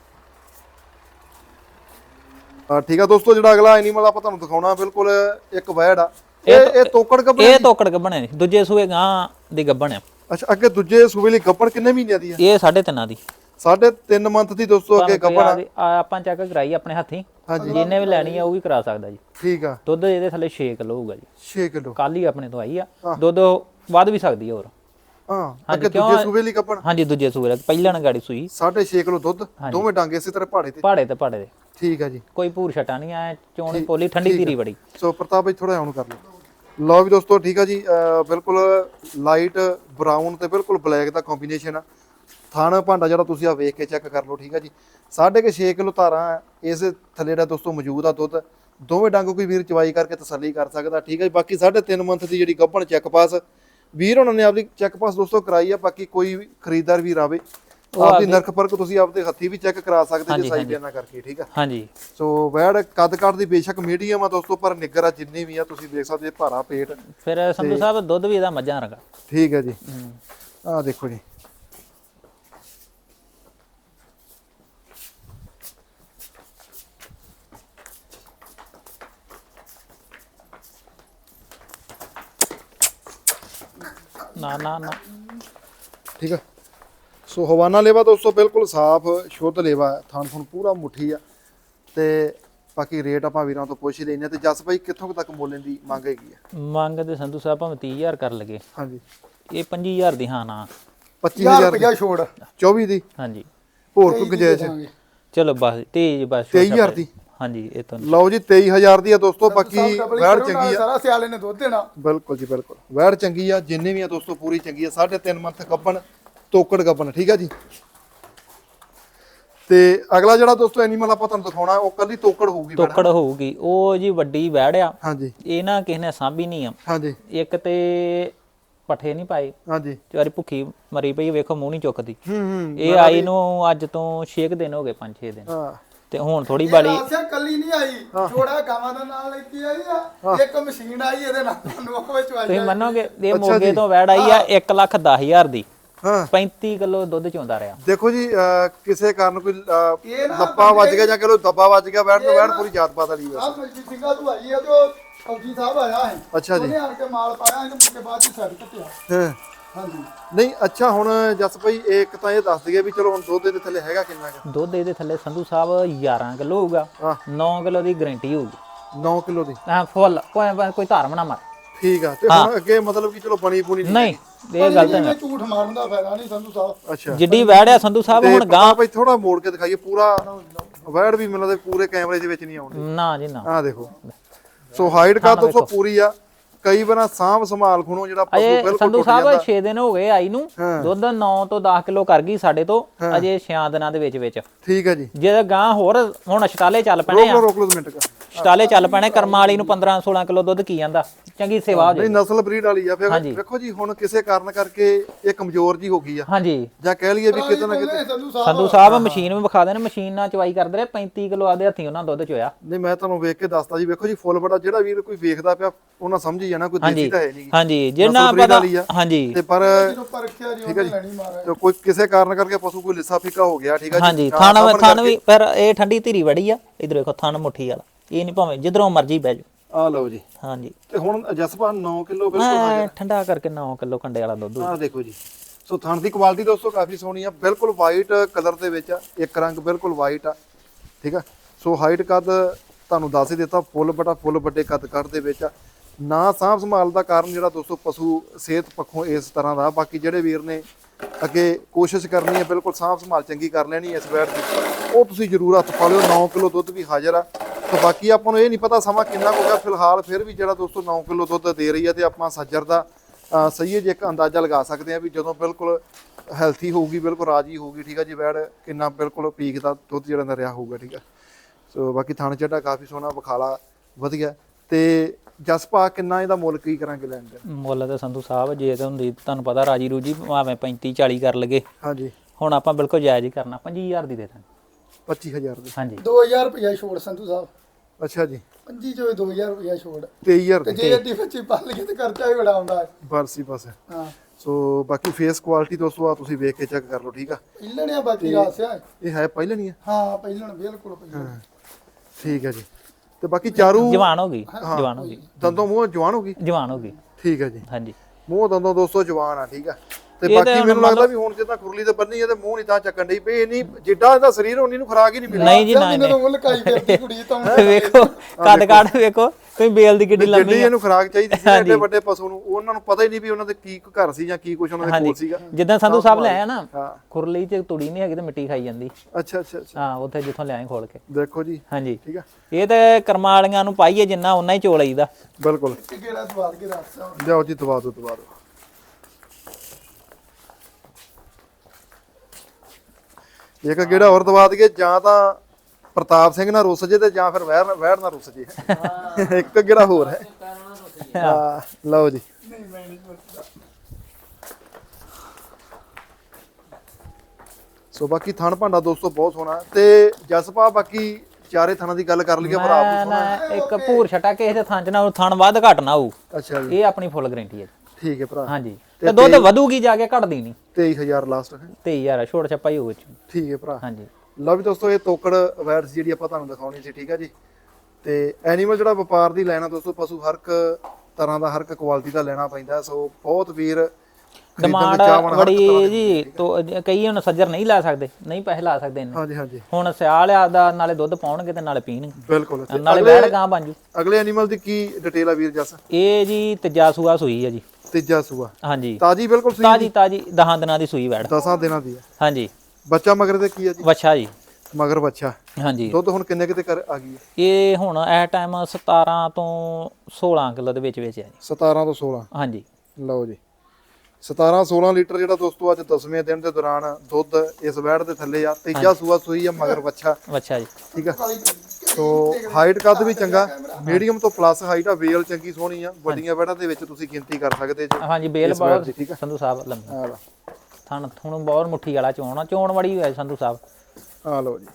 Speaker 1: ਠੀਕ ਆ ਦੋਸਤੋ। ਜਿਹੜਾ ਅਗਲਾ ਐਨੀਮਲ ਆਪਾਂ ਤੁਹਾਨੂੰ ਦਿਖਾਉਣਾ ਬਿਲਕੁਲ ਇੱਕ ਵੈੜ ਆ। ਇਹ ਤੋਕੜ ਗੱਭਣ?
Speaker 2: ਇਹ ਤੋਕੜ ਗੱਭਣ ਹੈ, ਦੂਜੇ ਸੂਏ ਗਾਂ ਦੀ ਗੱਭਣ ਆ।
Speaker 1: ਅੱਛਾ, ਅੱਗੇ ਦੂਜੇ ਸੂਏ ਲਈ ਗੱਭਣ ਕਿੰਨੇ ਮਹੀਨਿਆਂ ਦੀ ਆ?
Speaker 2: ਇਹ 3.5 ਦੀ।
Speaker 1: 3.5 ਮੰਥ ਦੀ ਦੋਸਤੋ ਅੱਗੇ ਗੱਭਣ
Speaker 2: ਆਪਾਂ ਚੈੱਕ ਕਰਾਈ ਆਪਣੇ ਹੱਥੀਂ ਜਿਹਨੇ ਵੀ ਲੈਣੀ ਆ ਉਹ ਵੀ ਕਰਾ ਸਕਦਾ ਜੀ।
Speaker 1: ਠੀਕ ਆ।
Speaker 2: ਦੁੱਧ ਇਹਦੇ ਥੱਲੇ 6 ਕਿਲੋ ਹੋਊਗਾ ਜੀ।
Speaker 1: 6 ਕਿਲੋ
Speaker 2: ਕੱਲ ਹੀ ਆਪਣੇ ਤੋਂ ਆਈ ਆ। ਦੁੱਧ ਵੱਧ ਵੀ ਸਕਦੀ ਆ ਹੋਰ।
Speaker 1: ਹਾਂ ਅੱਗੇ ਦੂਜੇ ਸੂਬੇ ਲਈ ਗੱਭਣ।
Speaker 2: ਹਾਂਜੀ ਦੂਜੇ ਸੂਬੇ ਪਹਿਲਾਂ ਨਾ ਗਾੜੀ ਸੂਈ
Speaker 1: 6.5 ਕਿਲੋ ਦੁੱਧ ਦੋਵੇਂ ਡਾਂਗੇ ਇਸੇ ਤਰ੍ਹਾਂ ਪਹਾੜੇ ਤੇ
Speaker 2: ਪਹਾੜੇ ਦੇ।
Speaker 1: ਠੀਕ ਆ ਜੀ।
Speaker 2: ਕੋਈ ਭੂਰ ਛਟਾ ਨਹੀਂ ਆ ਚੋਣੀ ਪੋਲੀ ਠੰਡੀ ਧੀਰੀ ਬੜੀ।
Speaker 1: ਸੋ ਪ੍ਰਤਾਪ ਭਾਈ ਥੋੜਾ ਆਨ ਕਰ ਲਓ। ਲਓ ਵੀ ਦੋਸਤੋ ਠੀਕ ਆ ਜੀ ਬਿਲਕੁਲ ਲਾਈਟ ਬਰਾਊਨ ਤੇ ਬਿਲਕੁਲ ਬਲੈਕ ਦਾ ਕੰਬੀਨੇਸ਼ਨ ਆ। ਥਣ ਭਾਂਡਾ ਜਿਹੜਾ ਤੁਸੀਂ ਆ ਵੇਖ ਕੇ ਚੈੱਕ ਕਰ ਲਓ ਠੀਕ ਆ ਜੀ। 6.5 ਕਿਲੋ ਧਾਰਾਂ ਇਸ ਥੱਲੇ ਦਾ ਦੋਸਤੋ ਮੌਜੂਦ ਆ ਦੁੱਧ। ਦੋਵੇਂ ਡੰਗ ਕੋਈ ਵੀਰ ਚਵਾਈ ਕਰਕੇ ਤਸੱਲੀ ਕਰ ਸਕਦਾ ਠੀਕ ਆ ਜੀ। ਬਾਕੀ 3.5 ਮੰਥ ਦੀ ਜਿਹੜੀ ਗੱਭਣ ਚੈੱਕ ਪਾਸ ਵੀਰ ਉਹਨਾਂ ਨੇ ਆਪਦੀ ਚੈੱਕ ਪਾਸ ਦੋਸਤੋ ਕਰਾਈ ਆ। ਬਾਕੀ ਕੋਈ ਵੀ ਖਰੀਦਦਾਰ ਵੀਰ ਆਵੇ ਆਪਦੀ ਨਰਖ ਪਰਖ ਤੁਸੀਂ ਆਪਦੇ ਹੱਥੀ ਵੀ ਚੈੱਕ ਕਰਾ ਸਕਦੇ ਜੇ ਸਾਈ ਬਿਆਨਾ ਕਰਕੇ ਠੀਕ ਆ।
Speaker 2: ਹਾਂਜੀ
Speaker 1: ਸੋ ਵੈੜ ਕੱਦ ਕਾਠ ਦੀ ਬੇਸ਼ੱਕ ਮੀਡੀਅਮ ਆ ਦੋਸਤੋ ਪਰ ਨਿੱਗਰ ਆ ਜਿੰਨੀ ਵੀ ਆ ਤੁਸੀਂ ਦੇਖ ਸਕਦੇ ਭਾਰਾ ਪੇਟ।
Speaker 2: ਫਿਰ ਸੰਧੂ ਸਾਹਿਬ ਦੁੱਧ ਵੀ ਇਹਦਾ ਮੱਝਾਂ ਰਗਾ।
Speaker 1: ਠੀਕ ਹੈ ਜੀ। ਆਹ ਦੇਖੋ ਜੀ
Speaker 2: ਨਾ
Speaker 1: ਠੀਕ ਆ। ਸੋ ਹਵਾਨਾ ਲੇਵਾ ਦੋਸਤੋ ਬਿਲਕੁਲ ਸਾਫ਼ ਸ਼ੁੱਧ ਲੇਵਾ ਥਣ ਥਣ ਪੂਰਾ ਮੁੱਠੀ ਆ। ਤੇ ਬਾਕੀ ਰੇਟ ਆਪਾਂ ਵੀਰਾਂ ਤੋਂ ਪੁੱਛ ਹੀ ਲੈਨੇ ਤੇ ਜਸ ਭਾਈ ਕਿੱਥੋਂ ਕੁ ਤੱਕ ਮੋਲਣ ਦੀ ਮੰਗ ਹੈਗੀ ਆ?
Speaker 2: ਮੰਗ ਤੇ ਸੰਧੂ ਸਾਹਿਬ ਭਾਵੇਂ 30,000 ਕਰ ਲਗੇ।
Speaker 1: ਹਾਂਜੀ
Speaker 2: ਇਹ 25,000 ਦੀ ਹਾਂ ਨਾ
Speaker 1: 25,000
Speaker 3: ਰੁਪਇਆ ਛੋੜ
Speaker 1: 24 ਦੀ
Speaker 2: ਹਾਂਜੀ
Speaker 1: ਹੋਰ ਕੋਈ ਗੁੰਜਾਇਸ਼?
Speaker 2: ਚਲੋ ਬਸ
Speaker 1: 23,000 ਦੀ
Speaker 2: ਹਾਂਜੀ ਇਹ ਤਾਂ
Speaker 1: ਲਓ ਜੀ 23,000 ਦੀ ਆ ਦੋਸਤੋ। ਬਾਕੀ ਵੈੜ ਚੰਗੀ ਆ
Speaker 3: ਸਾਰਾ ਸਿਆਲੇ ਨੇ ਦੁੱਧ ਦੇਣਾ।
Speaker 1: ਬਿਲਕੁਲ ਜੀ ਬਿਲਕੁਲ ਵੈੜ ਚੰਗੀ ਆ ਜਿੰਨੇ ਵੀ ਆ ਦੋਸਤੋ ਪੂਰੀ ਚੰਗੀ ਆ। 3.5 ਮੰਥ ਗੱਭਣ ਤੋਕੜ ਗੱਭਣ ਠੀਕ ਆ ਜੀ। ਤੇ ਅਗਲਾ ਜਿਹੜਾ ਦੋਸਤੋ ਐਨੀਮਲ ਆਪਾਂ ਤੁਹਾਨੂੰ ਦਿਖਾਉਣਾ ਉਹ ਕੱਲੀ ਤੋਕੜ ਹੋਊਗੀ।
Speaker 2: ਤੋਕੜ ਹੋਊਗੀ ਉਹ ਜੀ ਵੱਡੀ ਵੈੜ ਆ।
Speaker 1: ਹਾਂਜੀ
Speaker 2: ਇਹ ਨਾ ਕਿਸੇ ਨੇ ਸਾਂਭੀ ਨਹੀਂ ਆ।
Speaker 1: ਹਾਂਜੀ
Speaker 2: ਇੱਕ ਤੇ ਪੱਠੇ ਨਹੀਂ ਪਾਏ।
Speaker 1: ਹਾਂਜੀ
Speaker 2: ਵਿਚਾਰੀ ਭੁੱਖੀ ਮਰੀ ਪਈ ਵੇਖੋ ਮੂੰਹ ਨਹੀਂ ਚੁੱਕਦੀ। ਇਹ ਆਈ ਨੂੰ ਅੱਜ ਤੋਂ 6 ਦਿਨ ਹੋ ਗਏ 5-6 ਦਿਨ।
Speaker 1: ਹਾਂ
Speaker 2: ਤੇ ਹੁਣ ਥੋੜੀ ਬਾਲੀ
Speaker 3: ਆਸਿਆ ਕੱਲੀ ਨਹੀਂ ਆਈ ਛੋੜਾ ਗਾਵਾਂ ਦਾ ਨਾਲ ਲੈ ਕੇ ਆਈ ਆ। ਇੱਕ ਮਸ਼ੀਨ ਆਈ ਇਹਦੇ ਨਾਲ ਨੋਕ ਵਿੱਚ ਆਈ।
Speaker 2: ਤੁਸੀਂ ਮੰਨੋਗੇ ਇਹ ਮੋਗੇ ਤੋਂ ਵੈੜ ਆਈ ਆ 1,10,000 ਦੀ।
Speaker 1: ਹਾਂ
Speaker 2: 35 ਕਿਲੋ ਦੁੱਧ ਚੋਂਦਾ ਰਿਹਾ।
Speaker 1: ਦੇਖੋ ਜੀ ਕਿਸੇ ਕਾਰਨ ਕੋਈ ਲੱਪਾ ਵੱਜ ਗਿਆ ਜਾਂ ਕਿਲੋ ਦੱਬਾ ਵੱਜ ਗਿਆ ਵੈੜ ਤੋਂ ਵੈੜ ਪੂਰੀ ਜਾਤ ਪਾਤ ਵਾਲੀ
Speaker 3: ਆ ਮਲਜੀਤ ਸਿੰਘਾ ਤੋਂ ਆਈ ਆ ਤੇ ਉਹ ਫੌਜੀ ਸਾਹਿਬ ਆਇਆ ਹੈ।
Speaker 1: ਅੱਛਾ ਜੀ।
Speaker 3: ਉਹਨੇ ਆਣ ਕੇ ਮਾਲ ਪਾਇਆ ਇਹਨੂੰ ਮੁੜ ਕੇ ਬਾਅਦ ਚ ਸਾਈਡ ਕੱਟਿਆ।
Speaker 1: ਹਾਂ
Speaker 3: ਹਾਂਜੀ
Speaker 1: ਨਹੀਂ ਅੱਛਾ ਹੁਣ ਜਸ ਭਾਈ ਇੱਕ ਤਾਂ ਇਹ ਦੱਸ ਦਈਏ ਵੀ ਚਲੋ ਹੁਣ ਦੁੱਧ ਦੇ ਥੱਲੇ ਹੈਗਾ ਕਿੰਨਾ ਕੁ?
Speaker 2: ਦੁੱਧ ਇਹਦੇ ਥੱਲੇ ਸੰਧੂ ਸਾਹਿਬ 11 ਕਿਲੋ ਹੋਊਗਾ। 9 ਕਿਲੋ ਦੀ ਗਾਰੰਟੀ ਹੋਊਗੀ।
Speaker 1: 9 ਕਿਲੋ ਦੀ
Speaker 2: ਹਾਂ ਫੁੱਲ ਕੋਈ ਧਾਰਮ ਨਾ ਮਾਰ।
Speaker 1: ਠੀਕ ਆ। ਤੇ ਹੁਣ ਅੱਗੇ ਮਤਲਬ ਕਿ ਚਲੋ ਬਣੀ ਪੂਣੀ
Speaker 2: ਨਹੀਂ ਇਹ ਗਲਤ ਹੈ।
Speaker 3: ਝੂਠ ਮਾਰਨ ਦਾ ਫਾਇਦਾ ਨਹੀਂ ਸੰਧੂ ਸਾਹਿਬ।
Speaker 1: ਅੱਛਾ
Speaker 2: ਜਿੱਡੀ ਵੈੜ ਆ ਸੰਧੂ ਸਾਹਿਬ ਹੁਣ ਗਾਂ
Speaker 1: ਭਾਈ ਥੋੜਾ ਮੋੜ ਕੇ ਦਿਖਾਈਏ ਪੂਰਾ ਵੈੜ ਵੀ ਮੈਨੂੰ ਲੱਗਦਾ ਪੂਰੇ ਕੈਮਰੇ ਦੇ ਵਿੱਚ ਨਹੀਂ ਆਉਣੀ।
Speaker 2: ਨਾ ਜੀ ਨਾ
Speaker 1: ਆਹ ਦੇਖੋ ਸੋ ਹਾਈਟ ਕਾ ਤੋਂ ਪੂਰੀ ਆ। ਕਈ ਵਾਰ ਸਾਂਭ ਸੰਭਾਲ ਖੁਣੋ ਜਿਹੜਾ ਪਸ਼ੂ ਬਿਲਕੁਲ
Speaker 2: ਸੰਧੂ ਸਾਹਿਬ 6 ਦਿਨ ਹੋ ਗਏ ਆਈ ਨੂੰ। ਦੁੱਧ 9 ਤੋਂ 10 ਕਿਲੋ ਕਰ ਗਈ ਸਾਡੇ ਤੋਂ ਅਜੇ 6 ਦਿਨਾਂ ਦੇ ਵਿੱਚ।
Speaker 1: ਠੀਕ ਹੈ ਜੀ।
Speaker 2: ਜੇ ਗਾਂ ਹੋਰ ਹੁਣ ਛਟਾਲੇ ਚੱਲ ਪੈਣੇ ਆ।
Speaker 1: ਰੋਕ ਲਓ ਮਿੰਟ ਕਾ
Speaker 2: ਛਟਾਲੇ ਚੱਲ ਪੈਣੇ ਕਰਮਾਂ ਵਾਲੀ ਨੂੰ 15-16 ਕਿਲੋ ਦੁੱਧ ਕੀ ਜਾਂਦਾ ਚੰਗੀ ਸੇਵਾ ਹੋ
Speaker 1: ਨਹੀਂ
Speaker 2: ਜਾਏ।
Speaker 1: ਨਸਲ ਬਰੀਡ ਵਾਲੀ ਆ। ਫਿਰ ਵੇਖੋ ਜੀ ਹੁਣ ਕਿਸੇ ਕਾਰਨ ਕਰਕੇ ਇਹ ਕਮਜ਼ੋਰ ਜੀ ਹੋ ਗਈ ਆ
Speaker 2: ਹਾਂਜੀ
Speaker 1: ਜਾਂ ਕਹਿ ਲਈਏ ਵੀ ਕਿਤੇ ਨਾ ਕਿਤੇ
Speaker 2: ਸੰਧੂ ਸਾਹਿਬ ਮਸ਼ੀਨ ਵੀ ਵਿਖਾ ਦੇਣ ਮਸ਼ੀਨ ਨਾਲ ਚਵਾਈ ਕਰਦੇ ਰਹੇ 35 ਕਿਲੋ ਆਦੇ ਹੱਥੀਂ ਉਹਨਾਂ ਦੁੱਧ ਚੋਇਆ।
Speaker 1: ਨਹੀਂ ਮੈਂ ਤੁਹਾਨੂੰ ਵੇਖ ਕੇ ਦੱਸਦਾ ਜੀ। ਵੇਖੋ ਜੀ ਫੁੱਲ ਬੜਾ ਜਿਹੜਾ ਵੀਰ ਕੋਈ ਵੇਖਦਾ ਪਿਆ ਉਹਨਾਂ ਸਮਝ ਹੀ ਜਾਣਾ ਕੋਈ ਦੇਸੀ ਤਾਂ ਹੈ ਨਹੀਂ।
Speaker 2: ਹਾਂਜੀ ਜੇ ਨਾ ਪਤਾ ਹਾਂਜੀ
Speaker 1: ਤੇ ਪਰ
Speaker 3: ਪਰਖਿਆ ਜੀ ਉਹਨੇ ਲੈਣੀ ਮਾਰਾ।
Speaker 1: ਕੋਈ ਕਿਸੇ ਕਾਰਨ ਕਰਕੇ ਪਸ਼ੂ ਕੋਈ ਲਿੱਸਾ ਫਿੱਕਾ ਹੋ ਗਿਆ ਠੀਕ ਆ ਜੀ।
Speaker 2: ਹਾਂਜੀ ਥਣ ਵੀ ਪਰ ਇਹ ਠੰਡੀ ਧੀਰੀ ਵੜੀ ਆ। ਇਧਰ ਵੇਖੋ ਥਣ ਮੁੱਠੀ ਵਾਲਾ ਇਹ ਨਹੀਂ ਭਾਵੇਂ ਜਿੱਧਰੋਂ ਮਰਜ਼ੀ ਬਹਿ ਜਾਓ।
Speaker 1: ਆ ਲਓ ਜੀ।
Speaker 2: ਹਾਂਜੀ
Speaker 1: ਤੇ ਹੁਣ ਜਸਪਾ 9 ਕਿਲੋ ਬਿਲਕੁਲ
Speaker 2: ਠੰਡਾ ਕਰਕੇ 9 ਕਿਲੋ ਕੰਡੇ ਵਾਲਾ ਦੁੱਧ।
Speaker 1: ਆ ਦੇਖੋ ਜੀ। ਸੋ ਥਣ ਦੀ ਕੁਆਲਿਟੀ ਦੋਸਤੋ ਕਾਫੀ ਸੋਹਣੀ ਆ। ਬਿਲਕੁਲ ਵਾਈਟ ਕਲਰ ਦੇ ਵਿੱਚ ਆ। ਇੱਕ ਰੰਗ ਬਿਲਕੁਲ ਵਾਈਟ ਆ ਠੀਕ ਆ। ਸੋ ਹਾਈਟ ਕੱਦ ਤੁਹਾਨੂੰ ਦੱਸ ਹੀ ਦਿੱਤਾ ਫੁੱਲ ਵੱਡੇ ਕੱਦ ਕੱਦ ਦੇ ਵਿੱਚ ਆ। ਨਾ ਸਾਂਭ ਸੰਭਾਲ ਦਾ ਕਾਰਨ ਜਿਹੜਾ ਦੋਸਤੋ ਪਸ਼ੂ ਸਿਹਤ ਪੱਖੋਂ ਇਸ ਤਰ੍ਹਾਂ ਦਾ। ਬਾਕੀ ਜਿਹੜੇ ਵੀਰ ਨੇ ਅੱਗੇ ਕੋਸ਼ਿਸ਼ ਕਰਨੀ ਹੈ ਬਿਲਕੁਲ ਸਾਂਭ ਸੰਭਾਲ ਚੰਗੀ ਕਰ ਲੈਣੀ ਇਸ ਵੈੜ ਦੀ ਉਹ ਤੁਸੀਂ ਜ਼ਰੂਰ ਹੱਥ ਪਾ ਲਿਓ। 9 ਕਿਲੋ ਦੁੱਧ ਵੀ ਹਾਜ਼ਰ ਆ। ਤੇ ਬਾਕੀ ਆਪਾਂ ਨੂੰ ਇਹ ਨਹੀਂ ਪਤਾ ਸਮਾਂ ਕਿੰਨਾ ਹੋ ਗਿਆ ਫਿਲਹਾਲ ਫਿਰ ਵੀ ਜਿਹੜਾ ਦੋਸਤੋ 9 ਕਿਲੋ ਦੁੱਧ ਦੇ ਰਹੀ ਹੈ ਤੇ ਆਪਾਂ ਸੱਜਰ ਦਾ ਸਹੀ ਜੇ ਇੱਕ ਅੰਦਾਜ਼ਾ ਲਗਾ ਸਕਦੇ ਆ ਵੀ ਜਦੋਂ ਬਿਲਕੁਲ ਹੈਲਥੀ ਹੋਊਗੀ ਬਿਲਕੁਲ ਰਾਜੀ ਹੋਊਗੀ ਠੀਕ ਆ ਜੀ ਵੈੜ ਕਿੰਨਾ ਬਿਲਕੁਲ ਪੀਕ ਦਾ ਦੁੱਧ ਜਿਹੜਾ ਦਾ ਰਿਹਾ ਹੋਊਗਾ ਠੀਕ ਆ। ਸੋ ਬਾਕੀ ਥਣ ਚੱਡਾ ਕਾਫੀ ਸੋਹਣਾ ਵਿਖਾਲਾ ਵਧੀਆ। ਤੇ ਜਸਪਾ ਕਿੰਨਾ ਇਹਦਾ ਮੁੱਲ ਕੀ ਕਰਾਂਗੇ ਲੈਣ ਦਾ?
Speaker 2: ਮੁੱਲ ਤੇ ਸੰਧੂ ਸਾਹਿਬ ਜੇ ਤਾਂ ਹੁੰਦੀ ਤੁਹਾਨੂੰ ਪਤਾ ਰਾਜੀ ਰੂਜੀ ਭਾਵੇਂ 35-40 ਕਰ ਲਗੇ।
Speaker 1: ਹਾਂਜੀ ਹੁਣ
Speaker 2: ਆਪਾਂ ਬਿਲਕੁਲ ਜਾਇਜ਼ ਹੀ ਕਰਨਾ 25,000 ਦੀ ਦੇ ਦਾਂਗੇ।
Speaker 1: 25,000 ਦੀ
Speaker 2: ਹਾਂਜੀ
Speaker 3: 2,000 ਰੁਪਇਆ ਛੋੜ ਸੰਧੂ ਸਾਹਿਬ।
Speaker 1: ਅੱਛਾ ਜੀ
Speaker 3: 25 ਚੋਂ 2,000 ਰੁਪਇਆ ਛੋੜ
Speaker 1: 23,000
Speaker 3: ਤੇ ਜੇ ਅੱਡੀ ਬੱਚੀ ਪਾ ਲਈਏ ਤੇ ਖਰਚਾ ਵੀ ਬੜਾ ਆਉਂਦਾ ਹੈ।
Speaker 1: ਬਸ ਹੀ ਬਸ।
Speaker 3: ਹਾਂ
Speaker 1: ਸੋ ਬਾਕੀ ਫੇਸ ਕੁਆਲਿਟੀ ਦੋਸਤੋ ਆ ਤੁਸੀਂ ਵੇਖ ਕੇ ਚੈੱਕ ਕਰ ਲਓ ਠੀਕ ਆ।
Speaker 3: ਪਹਿਲਣ ਆ ਬਾਕੀ ਰਾਸਿਆ
Speaker 1: ਇਹ ਹੈ ਪਹਿਲਾਂ ਨਹੀਂ ਆ।
Speaker 3: ਹਾਂ ਪਹਿਲਣ ਬਿਲਕੁਲ ਪਹਿਲਣ
Speaker 1: ਠੀਕ ਹੈ ਜੀ। ਤੇ ਬਾਕੀ ਚਾਰੂ
Speaker 2: ਜਵਾਨ ਹੋ ਗਈ ਜਵਾਨ ਹੋ ਗਈ
Speaker 1: ਦੰਦੋਂ ਮੂੰਹ ਜਵਾਨ ਹੋ ਗਈ
Speaker 2: ਜਵਾਨ ਹੋ ਗਈ
Speaker 1: ਠੀਕ ਹੈ ਜੀ।
Speaker 2: ਹਾਂਜੀ
Speaker 1: ਮੂੰਹ ਦੰਦੋਂ ਦੋਸਤੋ ਜਵਾਨ ਆ ਠੀਕ ਆ। ਤੇ ਬਾਕੀ ਮੈਨੂੰ ਲੱਗਦਾ ਵੀ ਹੁਣ ਜਿੱਦਾਂ ਖੁਰਲੀ ਤੇ ਬੰਨੀ ਹੈ ਤੇ ਮੂੰਹ ਨਹੀਂ ਤਾਂ ਚੱਕਣ ਡਈ ਪਈ ਨਹੀਂ, ਜਿੱਡਾ ਇਹਦਾ ਸਰੀਰ ਉਨੀ ਨੂੰ ਖੁਰਾਕ ਹੀ ਨਹੀਂ ਮਿਲਦੀ।
Speaker 2: ਨਹੀਂ ਜੀ ਨਾ
Speaker 3: ਮੈਨੂੰ ਤਾਂ ਉਹ ਲਕਾਈ ਫਿਰਦੀ ਕੁੜੀ ਤਾਂ
Speaker 2: ਵੇਖੋ ਕੱਦ ਕਾਠ ਵੇਖੋ ਤੁਸੀਂ ਬੇਲ ਦੀ ਕਿੱਡੀ ਲੰਮੀ
Speaker 1: ਜਿੱਡੀ ਇਹਨੂੰ ਖੁਰਾਕ ਚਾਹੀਦੀ ਸੀ ਐਡੇ ਵੱਡੇ ਪਸ਼ੂ ਨੂੰ, ਉਹਨਾਂ ਨੂੰ ਪਤਾ ਹੀ ਨਹੀਂ ਵੀ ਉਹਨਾਂ ਦੇ ਕੀ ਘਰ ਸੀ ਜਾਂ ਕੀ ਕੁਝ ਉਹਨਾਂ ਦੇ ਕੋਲ ਸੀਗਾ।
Speaker 2: ਜਿੱਦਾਂ ਸੰਧੂ ਸਾਹਿਬ ਲੈ ਆਇਆ ਨਾ
Speaker 1: ਹਾਂ
Speaker 2: ਖੁਰਲੀ 'ਚ ਤੁੜੀ ਨਹੀਂ ਹੈਗੀ ਤੇ ਮਿੱਟੀ ਖਾਈ ਜਾਂਦੀ।
Speaker 1: ਅੱਛਾ ਅੱਛਾ ਅੱਛਾ
Speaker 2: ਹਾਂ ਉੱਥੇ ਜਿੱਥੋਂ ਲਿਆਏ ਖੋਲ ਕੇ।
Speaker 1: ਦੇਖੋ ਜੀ
Speaker 2: ਹਾਂਜੀ
Speaker 1: ਠੀਕ ਆ
Speaker 2: ਇਹ ਤੇ ਕਰਮਾਂ ਵਾਲੀਆਂ ਨੂੰ ਪਾਈਏ ਜਿੰਨਾ ਉਹਨਾਂ ਹੀ ਚੋ ਲਈਦਾ।
Speaker 1: ਬਿਲਕੁਲ
Speaker 3: ਕਿਹੜਾ ਸਵਾਦ ਕੇ ਰੱਖਦਾ
Speaker 1: ਲਿਆਓ ਜੀ ਦਵਾ ਦਿਓ ਇੱਕ ਗੇੜਾ ਹੋਰ ਦਵਾ ਦਈਏ, ਜਾਂ ਤਾਂ ਪ੍ਰਤਾਪ ਸਿੰਘ ਨਾਲ ਰੁੱਸ ਜੇ ਤੇ ਜਾਂ ਫਿਰ ਵਹਿੜ ਨਾਲ ਰੁੱਸ ਜੇ। ਇੱਕ ਗੇੜਾ ਹੋਰ ਹੈ। ਹਾਂ ਲਓ ਜੀ ਸੋ ਬਾਕੀ ਥਣ ਭਾਂਡਾ ਦੋਸਤੋ ਬਹੁਤ ਸੋਹਣਾ ਤੇ ਜਸਪਾ ਬਾਕੀ ਚਾਰੇ ਥਣਾਂ ਦੀ ਗੱਲ ਕਰ ਲਈਏ ਪਰ ਆਪ
Speaker 2: ਮੈਂ ਨਾ ਇੱਕ ਭੂਰ ਛਟਾ ਕਿਸੇ ਦੇ ਥਣ ਚ ਨਾ ਥਣ ਵੱਧ ਘਟ ਨਾ ਹੋਊ,
Speaker 1: ਅੱਛਾ ਜੀ
Speaker 2: ਇਹ ਆਪਣੀ ਫੁੱਲ ਗਾਰੰਟੀ ਹੈ।
Speaker 1: ਠੀਕ ਹੈ ਭਰਾ
Speaker 2: ਹਾਂਜੀ ਤੇ ਦੁੱਧ ਵਧੂਗੀ ਜਾ ਕੇ ਘਟਦੀ ਨਹੀਂ।
Speaker 1: 23000 ਲਾਸਟ ਹੈ
Speaker 2: 23000 ਛੋੜ ਛੱਪਾ ਹੀ ਹੋਊ।
Speaker 1: ਠੀਕ ਹੈ ਭਰਾ।
Speaker 2: ਹਾਂਜੀ
Speaker 1: ਲਓ ਵੀ ਦੋਸਤੋ ਇਹ ਤੋਕੜ ਵੈਟਸ ਜਿਹੜੀ ਆਪਾਂ ਤੁਹਾਨੂੰ ਦਿਖਾਉਣੀ ਸੀ, ਠੀਕ ਹੈ ਜੀ। ਤੇ ਐਨੀਮਲ ਜਿਹੜਾ ਵਪਾਰ ਦੀ ਲੈਣਾ ਦੋਸਤੋ, ਪਸ਼ੂ ਹਰ ਇੱਕ ਤਰ੍ਹਾਂ ਦਾ ਹਰ ਇੱਕ ਕੁਆਲਿਟੀ ਦਾ ਲੈਣਾ ਪੈਂਦਾ। ਸੋ ਬਹੁਤ ਵੀਰ
Speaker 2: ਡਿਮਾਂਡ ਬੜੀ ਜੀ ਕਈ ਹੁਣ ਸੱਜਰ ਨਹੀਂ ਲਾ ਸਕਦੇ, ਨਹੀਂ ਪੈਸੇ ਲਾ ਸਕਦੇ ਇੰਨੇ।
Speaker 1: ਹਾਂਜੀ ਹਾਂਜੀ
Speaker 2: ਹੁਣ ਸਿਆਲ ਆ ਦਾ ਨਾਲੇ ਦੁੱਧ ਪਾਉਣਗੇ ਤੇ ਨਾਲੇ ਪੀਣਗੇ,
Speaker 1: ਬਿਲਕੁਲ।
Speaker 2: ਨਾਲੇ ਵੈੜ ਗਾਂ ਬਣ ਜੂ।
Speaker 1: ਅਗਲੇ ਐਨੀਮਲ ਦੀ ਕੀ ਡਿਟੇਲ ਆ ਵੀਰ ਜਸ?
Speaker 2: ਇਹ ਜੀ ਤੀਜਾ ਸੂਆ ਸੂਈ ਹੈ ਜੀ।
Speaker 1: ਤੀਜਾ ਸੂਆ
Speaker 2: ਹਾਂਜੀ
Speaker 1: ਤਾਜੀ ਬਿਲਕੁਲ ਸਹੀ
Speaker 2: ਤਾਜੀ 10 ਦਿਨਾਂ ਦੀ ਸੂਈ ਵੈੜ।
Speaker 1: 10 ਦਿਨਾਂ ਦੀ ਹੈ।
Speaker 2: ਹਾਂਜੀ
Speaker 1: ਬੱਚਾ ਮਗਰ ਦੇ ਕੀ ਹੈ ਜੀ?
Speaker 2: ਵੱਛਾ ਜੀ
Speaker 1: ਮਗਰ ਬੱਚਾ।
Speaker 2: ਹਾਂਜੀ
Speaker 1: ਦੁੱਧ ਹੁਣ ਕਿੰਨੇ ਕਿਤੇ ਕਰ ਆ ਗਈ ਹੈ?
Speaker 2: ਇਹ ਹੁਣ ਇਹ ਟਾਈਮ 17 ਤੋਂ 16 ਕਿਲੋ ਦੇ ਵਿੱਚ ਹੈ ਜੀ।
Speaker 1: 17 ਤੋਂ 16
Speaker 2: ਹਾਂਜੀ
Speaker 1: ਲਓ ਜੀ 17-16 ਲੀਟਰ ਜਿਹੜਾ ਦੋਸਤੋ ਅੱਜ 10ਵੇਂ ਦਿਨ ਦੇ ਦੌਰਾਨ ਦੁੱਧ ਇਸ ਵੈੜ ਦੇ ਥੱਲੇ ਆ। ਤੀਜਾ ਸੂਆ ਸੂਈ ਆ ਮਗਰ ਬੱਚਾ,
Speaker 2: ਵੱਛਾ ਜੀ।
Speaker 1: ਠੀਕ ਆ। ਸੋ ਹਾਈਟ ਕੱਦ ਵੀ ਚੰਗਾ, ਮੀਡੀਅਮ ਤੋਂ ਪਲੱਸ ਹਾਈਟ ਆ। ਵੇਲ ਚੰਗੀ ਸੋਹਣੀ ਆ। ਵੱਡੀਆਂ ਵੈੜਾਂ ਦੇ ਵਿੱਚ ਤੁਸੀਂ ਗਿਣਤੀ ਕਰ ਸਕਦੇ ਜੀ।
Speaker 2: ਹਾਂਜੀ ਬੇਲ ਬਹੁਤ
Speaker 1: ਠੀਕ ਆ
Speaker 2: ਸੰਧੂ ਸਾਹਿਬ ਲੰਮੀ
Speaker 1: ਆ ਲਓ
Speaker 2: ਥਣ ਥੁਣ ਬਹੁਤ ਮੁੱਠੀ ਵਾਲਾ ਚੋਣ ਵੜੀ ਹੋਇਆ ਸੰਧੂ ਸਾਹਿਬ।
Speaker 1: ਆ ਲਓ ਜੀ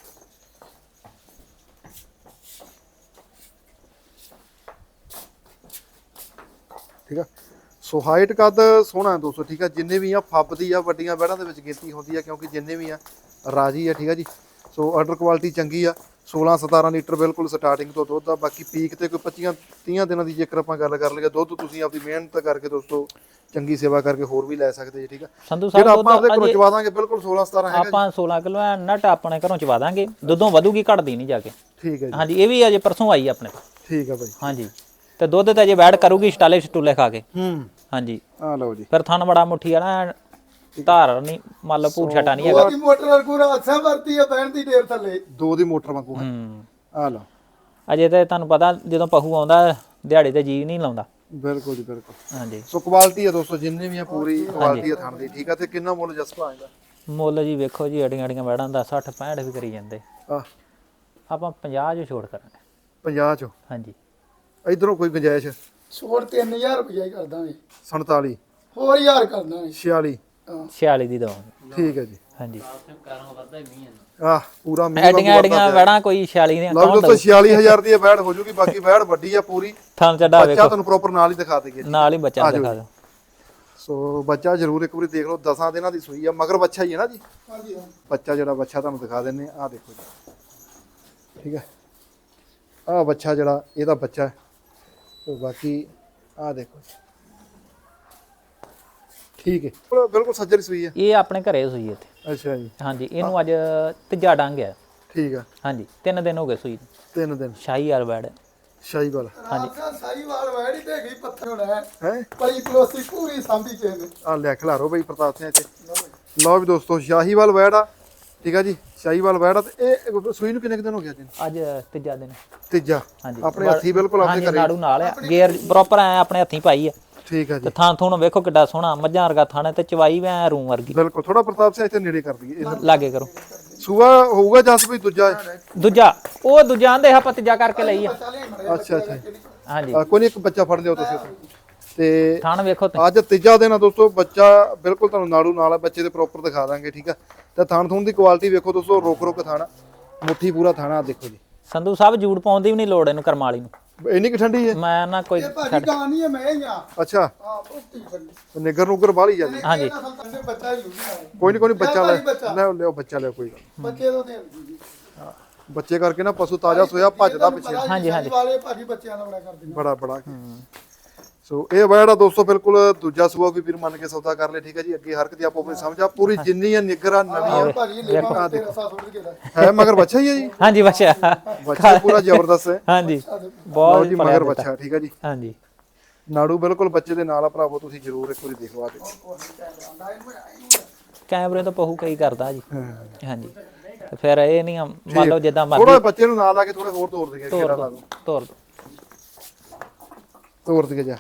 Speaker 1: ਠੀਕ ਆ। ਸੋ ਹਾਈਟ ਕੱਦ ਸੋਹਣਾ ਹੈ ਦੋਸਤੋ, ਠੀਕ ਆ। ਜਿੰਨੇ ਵੀ ਆ ਫੱਬਦੀ ਆ, ਵੱਡੀਆਂ ਵੈੜਾਂ ਦੇ ਵਿੱਚ ਗਿਣਤੀ ਹੁੰਦੀ ਆ ਕਿਉਂਕਿ ਜਿੰਨੇ ਵੀ ਆ ਰਾਜੀ ਆ, ਠੀਕ ਆ ਜੀ। ਸੋ ਆਰਡਰ ਕੁਆਲਿਟੀ ਚੰਗੀ ਆ। 16-17 ਲੀਟਰ ਬਿਲਕੁਲ ਸਟਾਰਟਿੰਗ ਤੋਂ ਦੁੱਧ ਆ। ਬਾਕੀ ਪੀਕ ਤੇ ਕੋਈ 25-30 ਦਿਨਾਂ ਦੀ ਜੇਕਰ ਆਪਾਂ ਗੱਲ ਕਰ ਲਈਏ, ਦੁੱਧ ਤੁਸੀਂ ਆਪਣੀ ਮਿਹਨਤ ਕਰਕੇ ਦੋਸਤੋ ਚੰਗੀ ਸੇਵਾ ਕਰਕੇ ਹੋਰ ਵੀ ਲੈ ਸਕਦੇ ਜੀ, ਠੀਕ ਆ।
Speaker 2: ਸੰਧੂ ਸਾਹਿਬ
Speaker 1: ਆਪਾਂ ਆਪਦੇ ਘਰੋਂ ਚਵਾ ਦਾਂਗੇ ਬਿਲਕੁਲ 16-17 ਹੈਗਾ
Speaker 2: ਆਪਾਂ 16 ਕਿਲੋ ਨਟ ਆਪਣੇ ਘਰੋਂ ਚਵਾ ਦਾਂਗੇ। ਦੁੱਧੋਂ ਵਧੂਗੀ ਘਟਦੀ ਨਹੀਂ ਜਾ ਕੇ।
Speaker 1: ਠੀਕ ਹੈ ਜੀ।
Speaker 2: ਹਾਂਜੀ ਇਹ ਵੀ ਅਜੇ ਪਰਸੋਂ ਆਈ ਆਪਣੇ ਕੋਲ।
Speaker 1: ਠੀਕ ਆ ਬਾਈ।
Speaker 2: ਹਾਂਜੀ ਤੇ ਦੁੱਧ ਤੇ ਅਜੇ ਵੈੜ ਕਰੂਗੀ ਸਟਾਲੇ ਸਟੂਲੇ ਖਾ ਕੇ। ਹਾਂਜੀ
Speaker 1: ਆ ਲਓ ਜੀ
Speaker 2: ਫਿਰ ਥਣ ਬੜਾ ਮੁੱਠੀ ਆ ਨਾ, ਧਾਰ ਨਹੀਂ ਮੰਨ ਲਓ ਭੂਰ ਛਟਾ ਨਹੀਂ ਹੈਗਾ।
Speaker 3: ਉਹਦੀ ਮੋਟਰ ਪੂਰਾ ਅੱਛਾ ਵਰਤੀ ਆ ਬਹਿਣ ਦੀ ਢੇਰ ਥੱਲੇ।
Speaker 1: ਦੋ ਦੀ ਮੋਟਰ ਵਾਂਗੂ ਹੈ। ਆ ਲਓ
Speaker 2: ਅਜੇ ਤੇ ਤੁਹਾਨੂੰ ਪਤਾ ਜਦੋਂ ਪਹੂ ਆਉਂਦਾ ਦਿਹਾੜੀ ਤੇ ਜੀ ਨਹੀਂ ਲਾਉਂਦਾ।
Speaker 1: ਬਿਲਕੁਲ ਜੀ ਬਿਲਕੁਲ।
Speaker 2: ਹਾਂਜੀ
Speaker 1: ਸੋ ਕੁਆਲਿਟੀ ਆ ਦੋਸਤੋ, ਜਿੰਨੇ ਵੀ ਆ ਪੂਰੀ ਕੁਆਲਿਟੀ ਆ ਥਣ ਦੀ, ਠੀਕ ਆ। ਤੇ ਕਿੰਨਾ ਮੁੱਲ ਜਸਪਾ ਆਏਗਾ?
Speaker 2: ਮੁੱਲ ਜੀ ਵੇਖੋ ਜੀ ਅੜੀਆਂ ਵੈੜਾਂ ਦਾ 60-65 ਵੀ ਕਰੀ ਜਾਂਦੇ,
Speaker 1: ਆ
Speaker 2: ਆਪਾਂ 50 ਚ ਛੋੜ ਕਰਾਂਗੇ।
Speaker 1: 50 ਚੋਂ
Speaker 2: ਹਾਂਜੀ
Speaker 1: ਇਧਰੋਂ ਕੋਈ ਗੁੰਜਾਇਸ਼?
Speaker 3: ਛੋੜ 3000 ਰੁਪਇਆ ਹੀ ਕਰ ਦਾਂਗੇ।
Speaker 1: 47
Speaker 3: ਹੋਰ 1000 ਕਰ ਦਾਂਗੇ।
Speaker 1: 46
Speaker 2: 46 ਦੀ ਦਵਾਂਗੇ।
Speaker 1: ਠੀਕ ਹੈ ਜੀ।
Speaker 2: ਹਾਂਜੀ
Speaker 1: ਆ ਪੂਰਾ ਮੀਂਹ
Speaker 2: ਐਡੀਆਂ ਵੈੜਾਂ ਕੋਈ 46 ਦੀਆਂ
Speaker 1: ਲਓ ਦੋਸਤੋ 46000 ਦੀ ਇਹ ਵੈੜ ਹੋ ਜੂਗੀ। ਬਾਕੀ ਵੈੜ ਵੱਡੀ ਆ ਪੂਰੀ।
Speaker 2: ਥਣ ਚੱਡਾ
Speaker 1: ਬੱਚਾ
Speaker 2: ਵੇਖੋ
Speaker 1: ਤੁਹਾਨੂੰ ਪ੍ਰੋਪਰ ਨਾਲ ਹੀ ਦਿਖਾ ਦੇਗੇ।
Speaker 2: ਨਾਲ ਹੀ ਬੱਚਾ ਦਿਖਾ ਦਿਓ।
Speaker 1: ਸੋ ਬੱਚਾ ਜ਼ਰੂਰ ਇੱਕ ਵਾਰੀ ਦੇਖ ਲਓ। 10 ਦਿਨਾਂ ਦੀ ਸੂਈ ਆ, ਮਗਰ ਬੱਚਾ ਹੀ ਹੈ ਨਾ ਜੀ।
Speaker 3: ਹਾਂਜੀ
Speaker 1: ਬੱਚਾ ਜਿਹੜਾ ਬੱਚਾ ਤੁਹਾਨੂੰ ਦਿਖਾ ਦਿੰਨੇ ਆ ਦੇਖੋ ਜੀ, ਠੀਕ ਹੈ। ਆ ਬੱਚਾ ਜਿਹੜਾ ਇਹਦਾ ਬੱਚਾ ਹੈ। ਸੋ ਬਾਕੀ ਆ ਦੇਖੋ ਠੀਕ ਹੈ, ਬਿਲਕੁਲ ਸੱਜਰ ਸੂਈ ਹੈ।
Speaker 2: ਇਹ ਆਪਣੇ ਘਰੇ ਸੂਈ ਇੱਥੇ।
Speaker 1: ਅੱਛਾ ਜੀ।
Speaker 2: ਹਾਂਜੀ ਇਹਨੂੰ ਅੱਜ ਤੀਜਾ ਡੰਗ ਆ।
Speaker 1: ਠੀਕ ਆ।
Speaker 2: ਹਾਂਜੀ 3 ਦਿਨ ਹੋ ਗਏ ਸੂਈ ਨੂੰ।
Speaker 1: 3 ਦਿਨ
Speaker 2: ਸ਼ਾਹੀ ਵਾਲ ਬੈੜ।
Speaker 1: ਸ਼ਾਹੀਵਾਲ।
Speaker 3: ਹਾਂਜੀ ਸਾਈਵਾਲ ਵੈੜੀ ਤੇ ਗਈ ਪੱਥਰ ਹੋਣਾ
Speaker 1: ਹੈ
Speaker 3: ਪਲੀ ਪਲੋਸੀ ਪੂਰੀ ਸਾਂਭੀ ਕੇ ਨੇ।
Speaker 1: ਆ ਲੈ ਖਿਲਾਰੋ ਬਈ ਪ੍ਰਤਾਪ ਸਿੰਘ ਇੱਥੇ। ਲਓ ਵੀ ਦੋਸਤੋ ਸ਼ਾਹੀਵਾਲ ਵੈੜ ਆ, ਠੀਕ ਆ ਜੀ। ਸ਼ਾਹੀਵਾਲ ਵੈੜ ਆ ਤੇ ਇਹ ਸੂਈ ਨੂੰ ਕਿੰਨੇ ਦਿਨ ਹੋ ਗਿਆ ਜੀ?
Speaker 2: ਅੱਜ ਤੀਜਾ ਦਿਨ।
Speaker 1: ਤੀਜਾ।
Speaker 2: ਹਾਂਜੀ
Speaker 1: ਆਪਣੇ ਹੱਥੀ ਬਿਲਕੁਲ ਆਪਣੇ
Speaker 2: ਹਾਂਜੀ
Speaker 1: ਘਰੇ।
Speaker 2: ਨਾੜੂ ਨਾਲ ਆ ਗੇਅਰ ਪ੍ਰੋਪਰ ਐ ਆਪਣੇ ਹੱਥੀਂ ਪਾਈ ਆ।
Speaker 1: ਠੀਕ ਆ ਜੀ।
Speaker 2: ਤੇ ਥਾਂ ਥੂਣ ਵੇਖੋ ਕਿੱਡਾ ਸੋਹਣਾ ਮੱਝਾਂ ਵਰਗਾ ਥਾਣੇ ਤੇ ਚਵਾਈ ਵੀ ਐ ਰੂਮ ਵਰਗੀ।
Speaker 1: ਬਿਲਕੁਲ ਥੋੜਾ ਪ੍ਰਤਾਪ ਸਿੰਘ ਇੱਥੇ ਨੇੜੇ ਕਰ ਦਈਏ।
Speaker 2: ਲਾਗੇ ਕਰੋ।
Speaker 1: ਸੂਆ ਹੋਊਗਾ ਜਸ ਵੀ ਦੂਜਾ ਹੈ?
Speaker 2: ਦੂਜਾ ਉਹ ਦੂਜਾ ਆਂਦੇ ਆਪਾਂ ਤੀਜਾ ਕਰਕੇ ਲਈ ਆ।
Speaker 1: ਅੱਛਾ ਅੱਛਾ।
Speaker 2: ਹਾਂਜੀ
Speaker 1: ਕੋਈ ਨਹੀਂ, ਇੱਕ ਬੱਚਾ ਫੜ ਲਿਓ ਤੁਸੀਂ ਤੇ
Speaker 2: ਥਾਣ ਵੇਖੋ ਤੁਸੀਂ।
Speaker 1: ਅੱਜ ਤੀਜਾ ਦਿਨ ਆ ਦੋਸਤੋ। ਬੱਚਾ ਬਿਲਕੁਲ ਤੁਹਾਨੂੰ ਨਾੜੂ ਨਾਲ ਆ, ਬੱਚੇ ਦੇ ਪ੍ਰੋਪਰ ਦਿਖਾ ਦਾਂਗੇ, ਠੀਕ ਆ। ਤੇ ਥਾਣ ਥੂਣ ਦੀ ਕੁਆਲਿਟੀ ਵੇਖੋ ਦੋਸਤੋ, ਰੁਕ ਥਾਣਾ, ਮੁੱਠੀ ਪੂਰਾ ਥਾਣਾ ਦੇਖੋ ਜੀ।
Speaker 2: ਸੰਧੂ ਸਾਹਿਬ ਜੂੜ ਪਾਉਣ ਦੀ ਵੀ ਨਹੀਂ ਲੋੜ ਇਹਨੂੰ ਕਰਮ ਵਾਲੀ ਨੂੰ।
Speaker 1: ਇੰਨੀ ਕਿ ਠੰਡੀ ਹੈ?
Speaker 2: ਮੈਂ ਨਾ ਕੋਈ
Speaker 3: ਇਹ ਭਾਜੀ ਗਾਂ ਨਹੀਂ ਹੈ ਮੈਂ ਹੀ ਆ।
Speaker 1: ਅੱਛਾ
Speaker 3: ਹਾਂ ਪੁੱਤੀ ਫੜੀ।
Speaker 1: ਨਿਗਰ ਨੁਗਰ ਬਾਹਲੀ ਜਾਂਦੀ।
Speaker 2: ਹਾਂਜੀ
Speaker 3: ਬੱਚਾ ਹੀ ਲੂਗਾ।
Speaker 1: ਕੋਈ ਨਹੀਂ ਬੱਚਾ ਲੈ
Speaker 3: ਬੱਚਾ।
Speaker 1: ਲਿਓ ਬੱਚਾ ਲਿਓ, ਕੋਈ ਗੱਲ ਨੀ।
Speaker 3: ਬੱਚੇ ਤੋਂ ਦੇਣ ਜੀ।
Speaker 1: ਬੱਚੇ ਕਰਕੇ ਨਾ ਪਸ਼ੂ ਤਾਜ਼ਾ ਸੋਇਆ ਭੱਜਦਾ ਪਿੱਛੇ।
Speaker 2: ਹਾਂਜੀ, ਹਾਂਜੀ।
Speaker 3: ਵਾਲੇ ਭਾਜੀ ਬੱਚਿਆਂ ਦਾ ਬੜਾ ਕਰਦੇ ਨੇ।
Speaker 1: ਬੜਾ ਸੋ ਇਹ ਵੈੜ ਆ ਦੋਸਤੋ ਬਿਲਕੁਲ ਦੂਜਾ ਸੂਆ ਕੋਈ ਵੀਰ ਮੰਨ ਕੇ ਸੌਦਾ ਕਰ ਲੇ ਠੀਕ ਹੈ ਜੀ। ਅੱਗੇ ਹਰਕਤ ਆਪੋ ਆਪਣੀ ਸਮਝ ਆ ਪੂਰੀ ਜਿੰਨੀ ਆ ਨਿੱਗਰ ਆ ਨਵੀਂ ਆ
Speaker 3: ਭਾਜੀ ਲੇਵਾ ਤੇ ਰਸਾ ਥੋੜੀ ਕੇ
Speaker 1: ਹੈ ਮਗਰ ਬੱਚਾ ਹੀ ਹੈ ਜੀ।
Speaker 2: ਹਾਂਜੀ ਬੱਚਾ
Speaker 1: ਬੱਚਾ ਪੂਰਾ ਜ਼ਬਰਦਸਤ ਹੈ।
Speaker 2: ਹਾਂਜੀ
Speaker 1: ਲਓ
Speaker 2: ਬਹੁਤ
Speaker 1: ਜੀ ਮਗਰ ਬੱਚਾ ਠੀਕ ਹੈ ਜੀ।
Speaker 2: ਹਾਂਜੀ
Speaker 1: ਨਾੜੂ ਬਿਲਕੁਲ ਬੱਚੇ ਦੇ ਨਾਲ ਆ ਭਰਾਵੋ, ਤੁਸੀਂ ਜ਼ਰੂਰ ਇੱਕ ਵਾਰੀ ਦੇਖੋ ਆ ਕੇ।
Speaker 2: ਕੈਮਰੇ ਤੋਂ ਪਹੂ ਕਈ ਕਰਦਾ ਜੀ। ਹਾਂਜੀ ਤੇ ਫਿਰ ਇਹ ਨਹੀਂ ਮੰਨ ਲਓ ਜਿੱਦਾਂ
Speaker 1: ਥੋੜਾ
Speaker 2: ਮਰਜ਼ੀ
Speaker 1: ਬੱਚੇ ਨੂੰ ਨਾਲ ਲਾ ਕੇ ਥੋੜਾ ਹੋਰ ਤੋੜ ਦੇਗੇ ਕਿਹੜਾ ਲਾ ਦੋ
Speaker 2: ਤੋਰ ਦੋ।
Speaker 1: ਤੋੜ ਦੇਗੇ ਜਾ।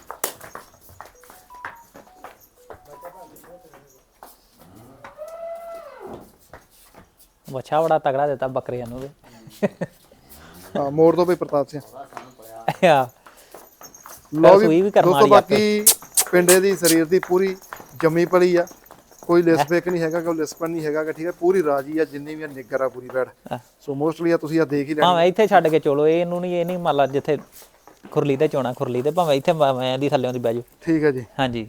Speaker 2: ਬੱਚਾ ਬੜਾ ਤਗੜਾ ਦਿੱਤਾ ਬੱਕਰੀਆਂ ਨੂੰ
Speaker 1: ਹਾਂ ਮੋੜ ਦੋ ਬਈ ਪ੍ਰਤਾਪ ਸਿੰਘ।
Speaker 2: ਆ
Speaker 1: ਲਓ
Speaker 2: ਸੂਈ ਵੀ ਕਰਮ
Speaker 1: ਦੋਸਤੋ
Speaker 2: ਵਾਲੀ ਆਪੇ।
Speaker 1: ਬਾਕੀ ਪਿੰਡੇ ਦੀ ਸਰੀਰ ਦੀ ਪੂਰੀ ਜੰਮੀ ਪਲੀ ਆ, ਕੋਈ ਲਿਸਪੇਕ ਨਹੀਂ ਹੈਗਾ, ਕੋਈ ਲਿਸਪਨ ਨਹੀਂ ਹੈਗਾ ਠੀਕ ਹੈ। ਪੂਰੀ ਰਾਜੀ ਆ, ਜਿੰਨੀ ਵੀ ਆ ਨਿੱਗਰ ਆ ਪੂਰੀ ਬੈੜ। ਸੋ ਮੋਸਟਲੀ ਆ ਤੁਸੀਂ ਆ ਦੇਖ ਹੀ ਲੈਣੀ।
Speaker 2: ਭਾਵੇਂ ਇੱਥੇ ਛੱਡ ਕੇ ਚਲੋ ਇਹਨੂੰ ਨਹੀਂ, ਇਹ ਨਹੀਂ ਮੰਨ ਲਾ ਜਿੱਥੇ ਖੁਰਲੀ ਤੇ ਚੋਣਾ ਖੁਰਲੀ ਤੇ, ਭਾਵੇਂ ਇੱਥੇ ਮੈਂ ਦੀ ਥੱਲੇ ਦੀ ਬਹਿ ਜਾਓ।
Speaker 1: ਠੀਕ ਹੈ ਜੀ।
Speaker 2: ਹਾਂਜੀ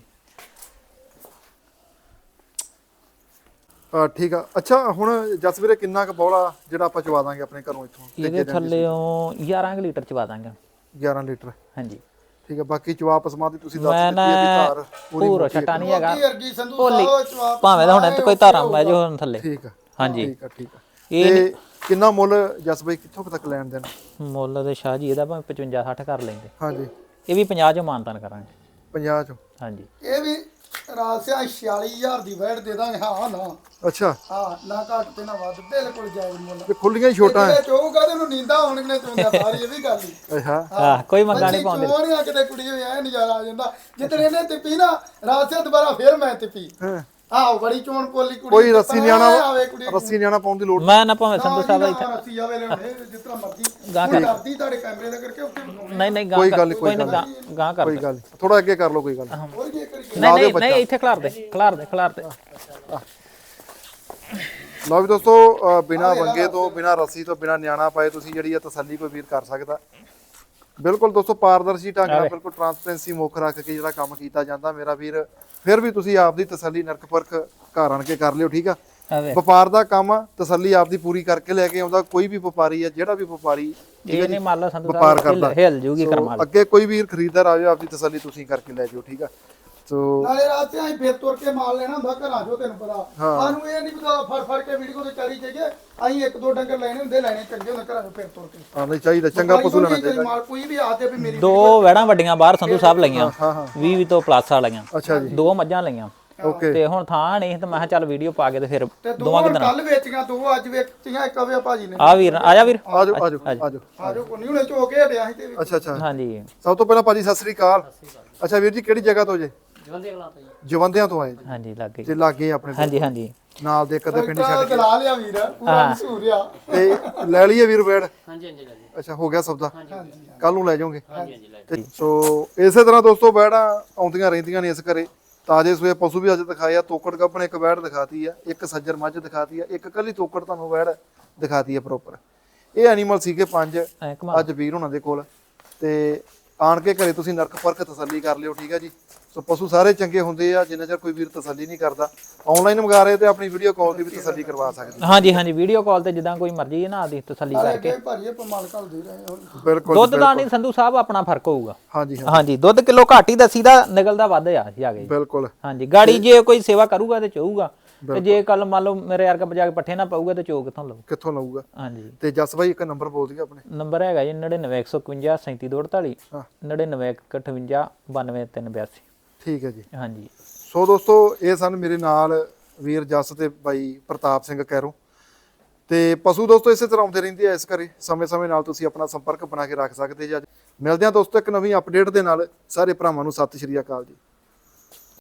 Speaker 1: ਠੀਕ ਆ। ਅੱਛਾ ਹੁਣ ਜਸ ਵੀਰੇ ਕਿੰਨਾ ਕੁ ਬੌਲਾ ਜਿਹੜਾ ਆਪਾਂ ਚਵਾ ਦਾਂਗੇ ਆਪਣੇ ਘਰੋਂ ਇੱਥੋਂ?
Speaker 2: ਇਹਦੇ ਥੱਲੇੋਂ 11 ਲੀਟਰ ਚਵਾ ਦਾਂਗੇ।
Speaker 1: 11 ਲੀਟਰ
Speaker 2: ਹਾਂਜੀ
Speaker 1: ਠੀਕ ਹੈ। ਬਾਕੀ ਚਵਾ ਪਸਮਾ ਦੀ ਤੁਸੀਂ ਦੱਸ
Speaker 2: ਮੈਂ
Speaker 1: ਦਿੱਤੀ ਹੈ ਵੀ ਧਾਰ ਪੂਰੀ
Speaker 2: ਪੂਰਾ ਛਟਾ ਨਹੀਂ ਹੈਗਾ,
Speaker 3: ਅਰਗੀ ਸੰਧੂ ਸਾਹਿਬ ਜਵਾਬ
Speaker 2: ਭਾਵੇਂ ਤਾਂ ਹੁਣ ਇੱਥੇ ਕੋਈ ਧਾਰਾਂ ਬਹਿ ਜਾਓ ਹੁਣ ਥੱਲੇ।
Speaker 1: ਠੀਕ ਆ
Speaker 2: ਹਾਂਜੀ
Speaker 1: ਠੀਕ ਆ ਠੀਕ ਆ।
Speaker 2: ਇਹ
Speaker 1: ਤੇ ਕਿੰਨਾ ਮੁੱਲ ਜਸ ਬਾਈ ਕਿੱਥੋਂ ਕੁ ਤੱਕ ਲੈਣ ਦੇਣ?
Speaker 2: ਮੁੱਲ ਦੇ ਸ਼ਾਹ ਜੀ ਇਹਦਾ ਭਾਵੇਂ 55 60 ਕਰ ਲੈਂਦੇ,
Speaker 1: ਹਾਂਜੀ
Speaker 2: ਇਹ ਵੀ 50 ਚੋਂ ਮਾਨਤਾਨ ਕਰਾਂਗੇ।
Speaker 1: 50 ਚੋਂ।
Speaker 2: ਹਾਂਜੀ
Speaker 3: ਇਹ ਵੀ ਰਾਸਿਆ 46000 ਦੀ ਵੈਟ ਦੇ ਦਾਂਗੇ। ਹਾਂ ਨਾ
Speaker 1: ਅੱਛਾ
Speaker 3: ਹਾਂ ਨਾ ਘੱਟ ਤੇ ਨਾ ਵੱਧ, ਬਿਲਕੁਲ ਜਾਇਜ਼ ਮੁੱਲ।
Speaker 1: ਤੇ ਖੁੱਲੀਆਂ ਹੀ ਛੋਟਾ ਹੈ।
Speaker 3: ਜੇ ਚੋਊਗਾ ਤੇ ਉਹਨੂੰ ਨੀਂਦਾ ਆਉਣਗੀਆਂ ਚੋਂਦਾ ਸਾਰੀ, ਇਹ ਵੀ ਗੱਲ ਹੀ।
Speaker 1: ਅੱਛਾ
Speaker 2: ਹਾਂ ਕੋਈ ਮੰਗਾ ਨਹੀਂ ਪਾਉਂਦੇ।
Speaker 3: ਚੋਣੀਆਂ ਕਿਤੇ ਕੁੜੀ ਹੋਈ ਐ ਨਜ਼ਾਰਾ ਆ ਜਾਂਦਾ। ਜਿੱਦਣ ਇਹਨੇ ਤਿੱਪੀ ਨਾ ਰਾਸਿਆ ਦੁਬਾਰਾ ਫੇਰ ਮੈਂ ਤਿੱਪੀ।
Speaker 1: ਹਾਂ
Speaker 3: ਆਹ ਬੜੀ ਚੋਣ ਪੋਲੀ ਕੁੜੀ।
Speaker 1: ਕੋਈ ਰੱਸੀ ਨਿਆਣਾ
Speaker 3: ਆਵੇ ਕੁੜੀ
Speaker 1: ਰੱਸੀ ਨਿਆਣਾ ਪਾਉਣ ਦੀ ਲੋੜ ਨਹੀਂ।
Speaker 2: ਮੈਂ ਨਾ ਭਾਵੇਂ ਸੰਧੂ ਸਾਹਿਬ ਇੱਥੇ
Speaker 3: ਰੱਸੀ ਆਵੇ ਲੈਣੇ ਜਿਸ ਤਰ੍ਹਾਂ ਮਰਜ਼ੀ।
Speaker 2: ਗਾਂ
Speaker 3: ਹੁਣ ਡਰਦੀ ਤੁਹਾਡੇ ਕੈਮਰੇ ਦਾ ਕਰਕੇ ਉੱਥੇ ਬਣਾਉਣੀ।
Speaker 2: ਨਹੀਂ
Speaker 1: ਕੋਈ
Speaker 2: ਗਾਂ
Speaker 1: ਗੱਲ ਨੀ,
Speaker 2: ਕੋਈ ਨਾ ਗਾਂ ਕਰ
Speaker 1: ਕੋਈ ਗੱਲ ਨਹੀਂ, ਥੋੜਾ ਅੱਗੇ ਕਰ ਲਓ ਕੋਈ ਗੱਲ ਨੀ।
Speaker 3: ਹੋਰ ਕੀ ਕਰੀਏ।
Speaker 2: ਨਹੀਂ ਇੱਥੇ ਖਿਲਾਰ ਦੇ ਖਿਲਾਰ ਦੇ ਖਿਲਾਰ ਦੇ।
Speaker 1: ਲਓ ਵੀ ਦੋਸਤੋ ਬਿਨਾ ਵੰਗੇ ਤੋਂ ਬਿਨਾ ਰੱਸੀ ਤੋਂ ਬਿਨਾ ਨਿਆਣਾ ਪਾਏ ਤੁਸੀਂ ਜਿਹੜੀ ਆ ਤਸੱਲੀ ਕੋਈ ਵੀਰ ਕਰ ਸਕਦਾ। ਬਿਲਕੁਲ ਦੋਸਤੋ ਪਾਰਦਰਸ਼ੀ ਢੰਗ ਨਾਲ ਬਿਲਕੁਲ ਟਰਾਂਸਪੇਰੈਂਸੀ ਮੁੱਖ ਰੱਖ ਕੇ ਜਿਹੜਾ ਕੰਮ ਕੀਤਾ ਜਾਂਦਾ ਮੇਰਾ ਵੀਰ, ਫਿਰ ਵੀ ਤੁਸੀਂ ਆਪ ਦੀ ਤਸੱਲੀ ਨਰਕ ਪਰਖ ਘਰ ਆਣ ਕੇ ਕਰ ਲਿਓ ਠੀਕ ਆ। ਵਪਾਰ ਦਾ ਕੰਮ ਆ, ਤਸੱਲੀ ਆਪ ਦੀ ਪੂਰੀ ਕਰਕੇ ਲੈ ਕੇ ਆਉਂਦਾ ਕੋਈ ਵੀ ਵਪਾਰੀ ਆ, ਜਿਹੜਾ ਵੀ ਵਪਾਰੀ
Speaker 2: ਇਹ ਨਹੀਂ ਮੰਨ ਲਓ ਸੰਧੂ
Speaker 1: ਵਪਾਰ
Speaker 2: ਸਾਹਿਬ
Speaker 1: ਕਰਦਾ
Speaker 2: ਹਿਲ ਜੂਗੀ ਕਰਮਾਲ।
Speaker 1: ਅੱਗੇ ਕੋਈ ਵੀਰ ਖਰੀਦਦਾਰ ਆਵੇ ਆਪਦੀ ਤਸੱਲੀ ਤੁਸੀਂ ਕਰਕੇ ਲੈ ਜਾਓ ਠੀਕ ਆ। ਸੋ
Speaker 3: ਨਾਲੇ ਰਾਤੇ ਅਸੀਂ ਫੇਰ ਤੁਰ ਕੇ ਮਾਲ ਲੈਣਾ ਹੁੰਦਾ ਘਰਾਂ ਚੋਂ, ਤੈਨੂੰ ਪਤਾ ਸਾਨੂੰ ਇਹ ਨਹੀਂ ਪਤਾ ਫੜ ਕੇ ਵੀਡੀਓ ਤੇ ਚਾਰੀ ਚਾਹੀਏ। ਅਸੀਂ ਇੱਕ ਦੋ ਡੰਗਰ ਲੈਣੇ ਹੁੰਦੇ, ਲੈਣੇ ਚੰਗੇ ਹੁੰਦੇ ਘਰਾਂ ਚੋਂ ਫੇਰ ਤੁਰ ਕੇ।
Speaker 1: ਆਉਣਾ ਚਾਹੀਦਾ, ਚੰਗਾ ਪਸ਼ੂ ਲੈਣਾ ਚਾਹੀਦਾ।
Speaker 3: ਮਾਲ ਕੋਈ ਵੀ ਆਦੇ ਵੀ ਮੇਰੀ
Speaker 2: 2 ਵੈੜਾਂ ਵੱਡੀਆਂ ਬਾਹਰ ਸੰਧੂ ਸਾਹਿਬ ਲਈਆਂ,
Speaker 1: ਹਾਂ ਹਾਂ
Speaker 2: 20 ਤੋਂ ਪਲੱਸ ਵਾਲੀਆਂ।
Speaker 1: ਅੱਛਾ ਜੀ
Speaker 2: 2 ਮੱਝਾਂ ਲਈਆਂ
Speaker 1: ਓਕੇ।
Speaker 2: ਤੇ ਹੁਣ ਥਾਂ ਨਹੀਂ ਤੇ ਮੈਂ ਕਿਹਾ ਚੱਲ ਵੀਡੀਓ ਪਾ ਕੇ ਤੇ ਫਿਰ
Speaker 3: ਤੇ
Speaker 2: ਦੋਵਾਂ
Speaker 3: ਦੋ
Speaker 2: ਦਿਨਾਂ
Speaker 3: ਕੱਲ ਵੇਚੀਆਂ, 2 ਅੱਜ ਵੇਚੀਆਂ। ਇੱਕ ਆਵੇ ਭਾਜੀ ਨੇ।
Speaker 2: ਆ ਵੀਰ ਆ ਜਾ ਵੀਰ।
Speaker 1: ਆਜੋ ਆਜੋ ਆਜੋ
Speaker 3: ਆਜੋ ਕੋਈ ਨਹੀਂ ਹੁਣੇ ਝੋ ਕੇ ਹਟਿਆ ਸੀ ਤੇ
Speaker 1: ਅੱਛਾ ਅੱਛਾ।
Speaker 2: ਹਾਂਜੀ
Speaker 1: ਸਭ ਤੋਂ ਪਹਿਲਾਂ ਭਾਜੀ ਸਤਿ ਸ੍ਰੀ ਅਕਾਲ। ਅੱਛਾ ਵੀਰ ਜੀ ਕਿਹੜੀ ਜਗ੍ਹਾ ਤੋਂ ਜੇ? ਜਵੰਦਿਆਂ ਤੋਂ ਆਏ ਜੀ।
Speaker 2: ਹਾਂਜੀ ਲੱਗ ਗਈ।
Speaker 1: ਤੇ ਲਾਗੇ ਆਪਣੇ
Speaker 2: ਹਾਂਜੀ ਹਾਂਜੀ
Speaker 1: ਨਾਲ ਦੇ ਕਦੇ ਪਿੰਡ ਛੱਡ ਕੇ
Speaker 3: ਦਲਾ ਲਿਆ ਵੀਰ, ਪੂਰਾ ਮਸ਼ਹੂਰ ਆ।
Speaker 1: ਤੇ ਲੈ ਲਈਏ ਵੀਰ ਬੈੜ?
Speaker 4: ਹਾਂਜੀ ਹਾਂਜੀ ਲੈ ਜੀ।
Speaker 1: ਅੱਛਾ ਹੋ ਗਿਆ ਸੌਦਾ,
Speaker 3: ਹਾਂਜੀ
Speaker 1: ਕੱਲ ਨੂੰ ਲੈ ਜਾਓਗੇ?
Speaker 4: ਹਾਂਜੀ ਹਾਂਜੀ ਲੈ
Speaker 1: ਤੇ ਸੋ ਇਸੇ ਤਰ੍ਹਾਂ ਦੋਸਤੋ ਬੈੜਾਂ ਆਉਂਦੀਆਂ ਰਹਿੰਦੀਆਂ ਨੇ ਇਸ ਘਰੇ। ਤਾਜੇ ਸੂਏ ਪਸ਼ੂ ਵੀ ਅੱਜ ਦਿਖਾਏ ਆ। ਤੋਕੜ ਗੱਭਣ ਇੱਕ ਬੈੜ ਦਿਖਾਤੀ ਆ, ਇੱਕ ਸੱਜਰ ਮੱਝ ਦਿਖਾਤੀ ਆ, ਇੱਕ ਕੱਲੀ ਤੋਕੜ ਤੁਹਾਨੂੰ ਬੈੜ ਦਿਖਾਤੀ ਆ ਪ੍ਰੋਪਰ। ਇਹ ਐਨੀਮਲ ਸੀਗੇ 5 ਅੱਜ ਵੀਰ ਹੁਣਾਂ ਦੇ ਕੋਲ। ਤੇ ਆਣ ਕੇ ਘਰੇ ਤੁਸੀਂ ਨਰਕ ਪਰਖ ਤਸੱਲੀ ਕਰ ਲਿਓ ਠੀਕ ਹੈ ਜੀ। ਸੋ ਪਸ਼ੂ ਸਾਰੇ ਚੰਗੇ ਹੁੰਦੇ ਆ, ਜਿੰਨਾ ਚਿਰ ਕੋਈ ਵੀਰ ਤਸੱਲੀ ਨਹੀਂ ਕਰਦਾ। ਆਨਲਾਈਨ ਮੰਗਾ ਰਹੇ ਤੇ ਆਪਣੀ ਵੀਡੀਓ ਕਾਲ ਤੇ ਵੀ ਤਸੱਲੀ ਕਰਵਾ ਸਕਦੇ।
Speaker 2: ਹਾਂਜੀ ਹਾਂਜੀ ਵੀਡੀਓ ਕਾਲ ਤੇ ਜਿੱਦਾਂ ਕੋਈ ਮਰਜ਼ੀ ਨਾ ਆਦੀ ਤਸੱਲੀ ਕਰਕੇ।
Speaker 3: ਅੱਗੇ ਭਾਜੀ ਆਪਾਂ ਮਾਲ ਘੱਲ ਦੇ ਰਹੇ ਹੁਣ।
Speaker 1: ਬਿਲਕੁਲ
Speaker 2: ਦੁੱਧ ਦਾ ਨਹੀਂ ਸੰਧੂ ਸਾਹਿਬ ਆਪਣਾ ਫਰਕ ਹੋਊਗਾ।
Speaker 1: ਹਾਂਜੀ ਹਾਂ
Speaker 2: ਹਾਂਜੀ ਦੁੱਧ ਕਿਲੋ ਘੱਟ ਹੀ ਦਸੀਦਾ, ਨਿਕਲਦਾ ਵੱਧ ਆ ਜਾ ਕੇ।
Speaker 1: ਬਿਲਕੁਲ
Speaker 2: ਹਾਂਜੀ ਗਾੜੀ ਜੇ ਕੋਈ ਸੇਵਾ ਕਰੂਗਾ ਤੇ ਚੋਊਗਾ, ਤੇ ਜੇ ਕੱਲ ਮੰਨ ਲਓ ਮੇਰੇ ਵਰਗਾ ਬਜਾ ਕੇ ਪੱਠੇ ਨਾ ਪਾਊਗਾ ਤੇ ਚੋ ਕਿੱਥੋਂ ਲਊ?
Speaker 1: ਕਿੱਥੋਂ ਲਊਗਾ?
Speaker 2: ਹਾਂਜੀ
Speaker 1: ਤੇ ਜਸ ਭਾਈ ਇੱਕ ਨੰਬਰ ਬੋਲ ਦਿਓ ਆਪਣੇ।
Speaker 2: ਨੰਬਰ ਹੈਗਾ ਜੀ 9915 37248
Speaker 1: ਹਾਂ
Speaker 2: 9958 92382।
Speaker 1: ਠੀਕ ਹੈ ਜੀ।
Speaker 2: ਹਾਂਜੀ
Speaker 1: ਸੋ ਦੋਸਤੋ ਇਹ ਸਨ ਮੇਰੇ ਨਾਲ ਵੀਰ ਜਸ ਤੇ ਬਾਈ ਪ੍ਰਤਾਪ ਸਿੰਘ ਕੈਰੋਂ। ਤੇ ਪਸ਼ੂ ਦੋਸਤੋ ਇਸੇ ਤਰ੍ਹਾਂ ਆਉਂਦੇ ਰਹਿੰਦੇ ਆ ਇਸ ਘਰੇ, ਸਮੇਂ-ਸਮੇਂ ਨਾਲ ਤੁਸੀਂ ਆਪਣਾ ਸੰਪਰਕ ਬਣਾ ਕੇ ਰੱਖ ਸਕਦੇ ਜੀ। ਅੱਜ ਮਿਲਦੇ ਹਾਂ ਦੋਸਤੋ ਇੱਕ ਨਵੀਂ ਅਪਡੇਟ ਦੇ ਨਾਲ। ਸਾਰੇ ਭਰਾਵਾਂ ਨੂੰ ਸਤਿ ਸ਼੍ਰੀ ਅਕਾਲ ਜੀ।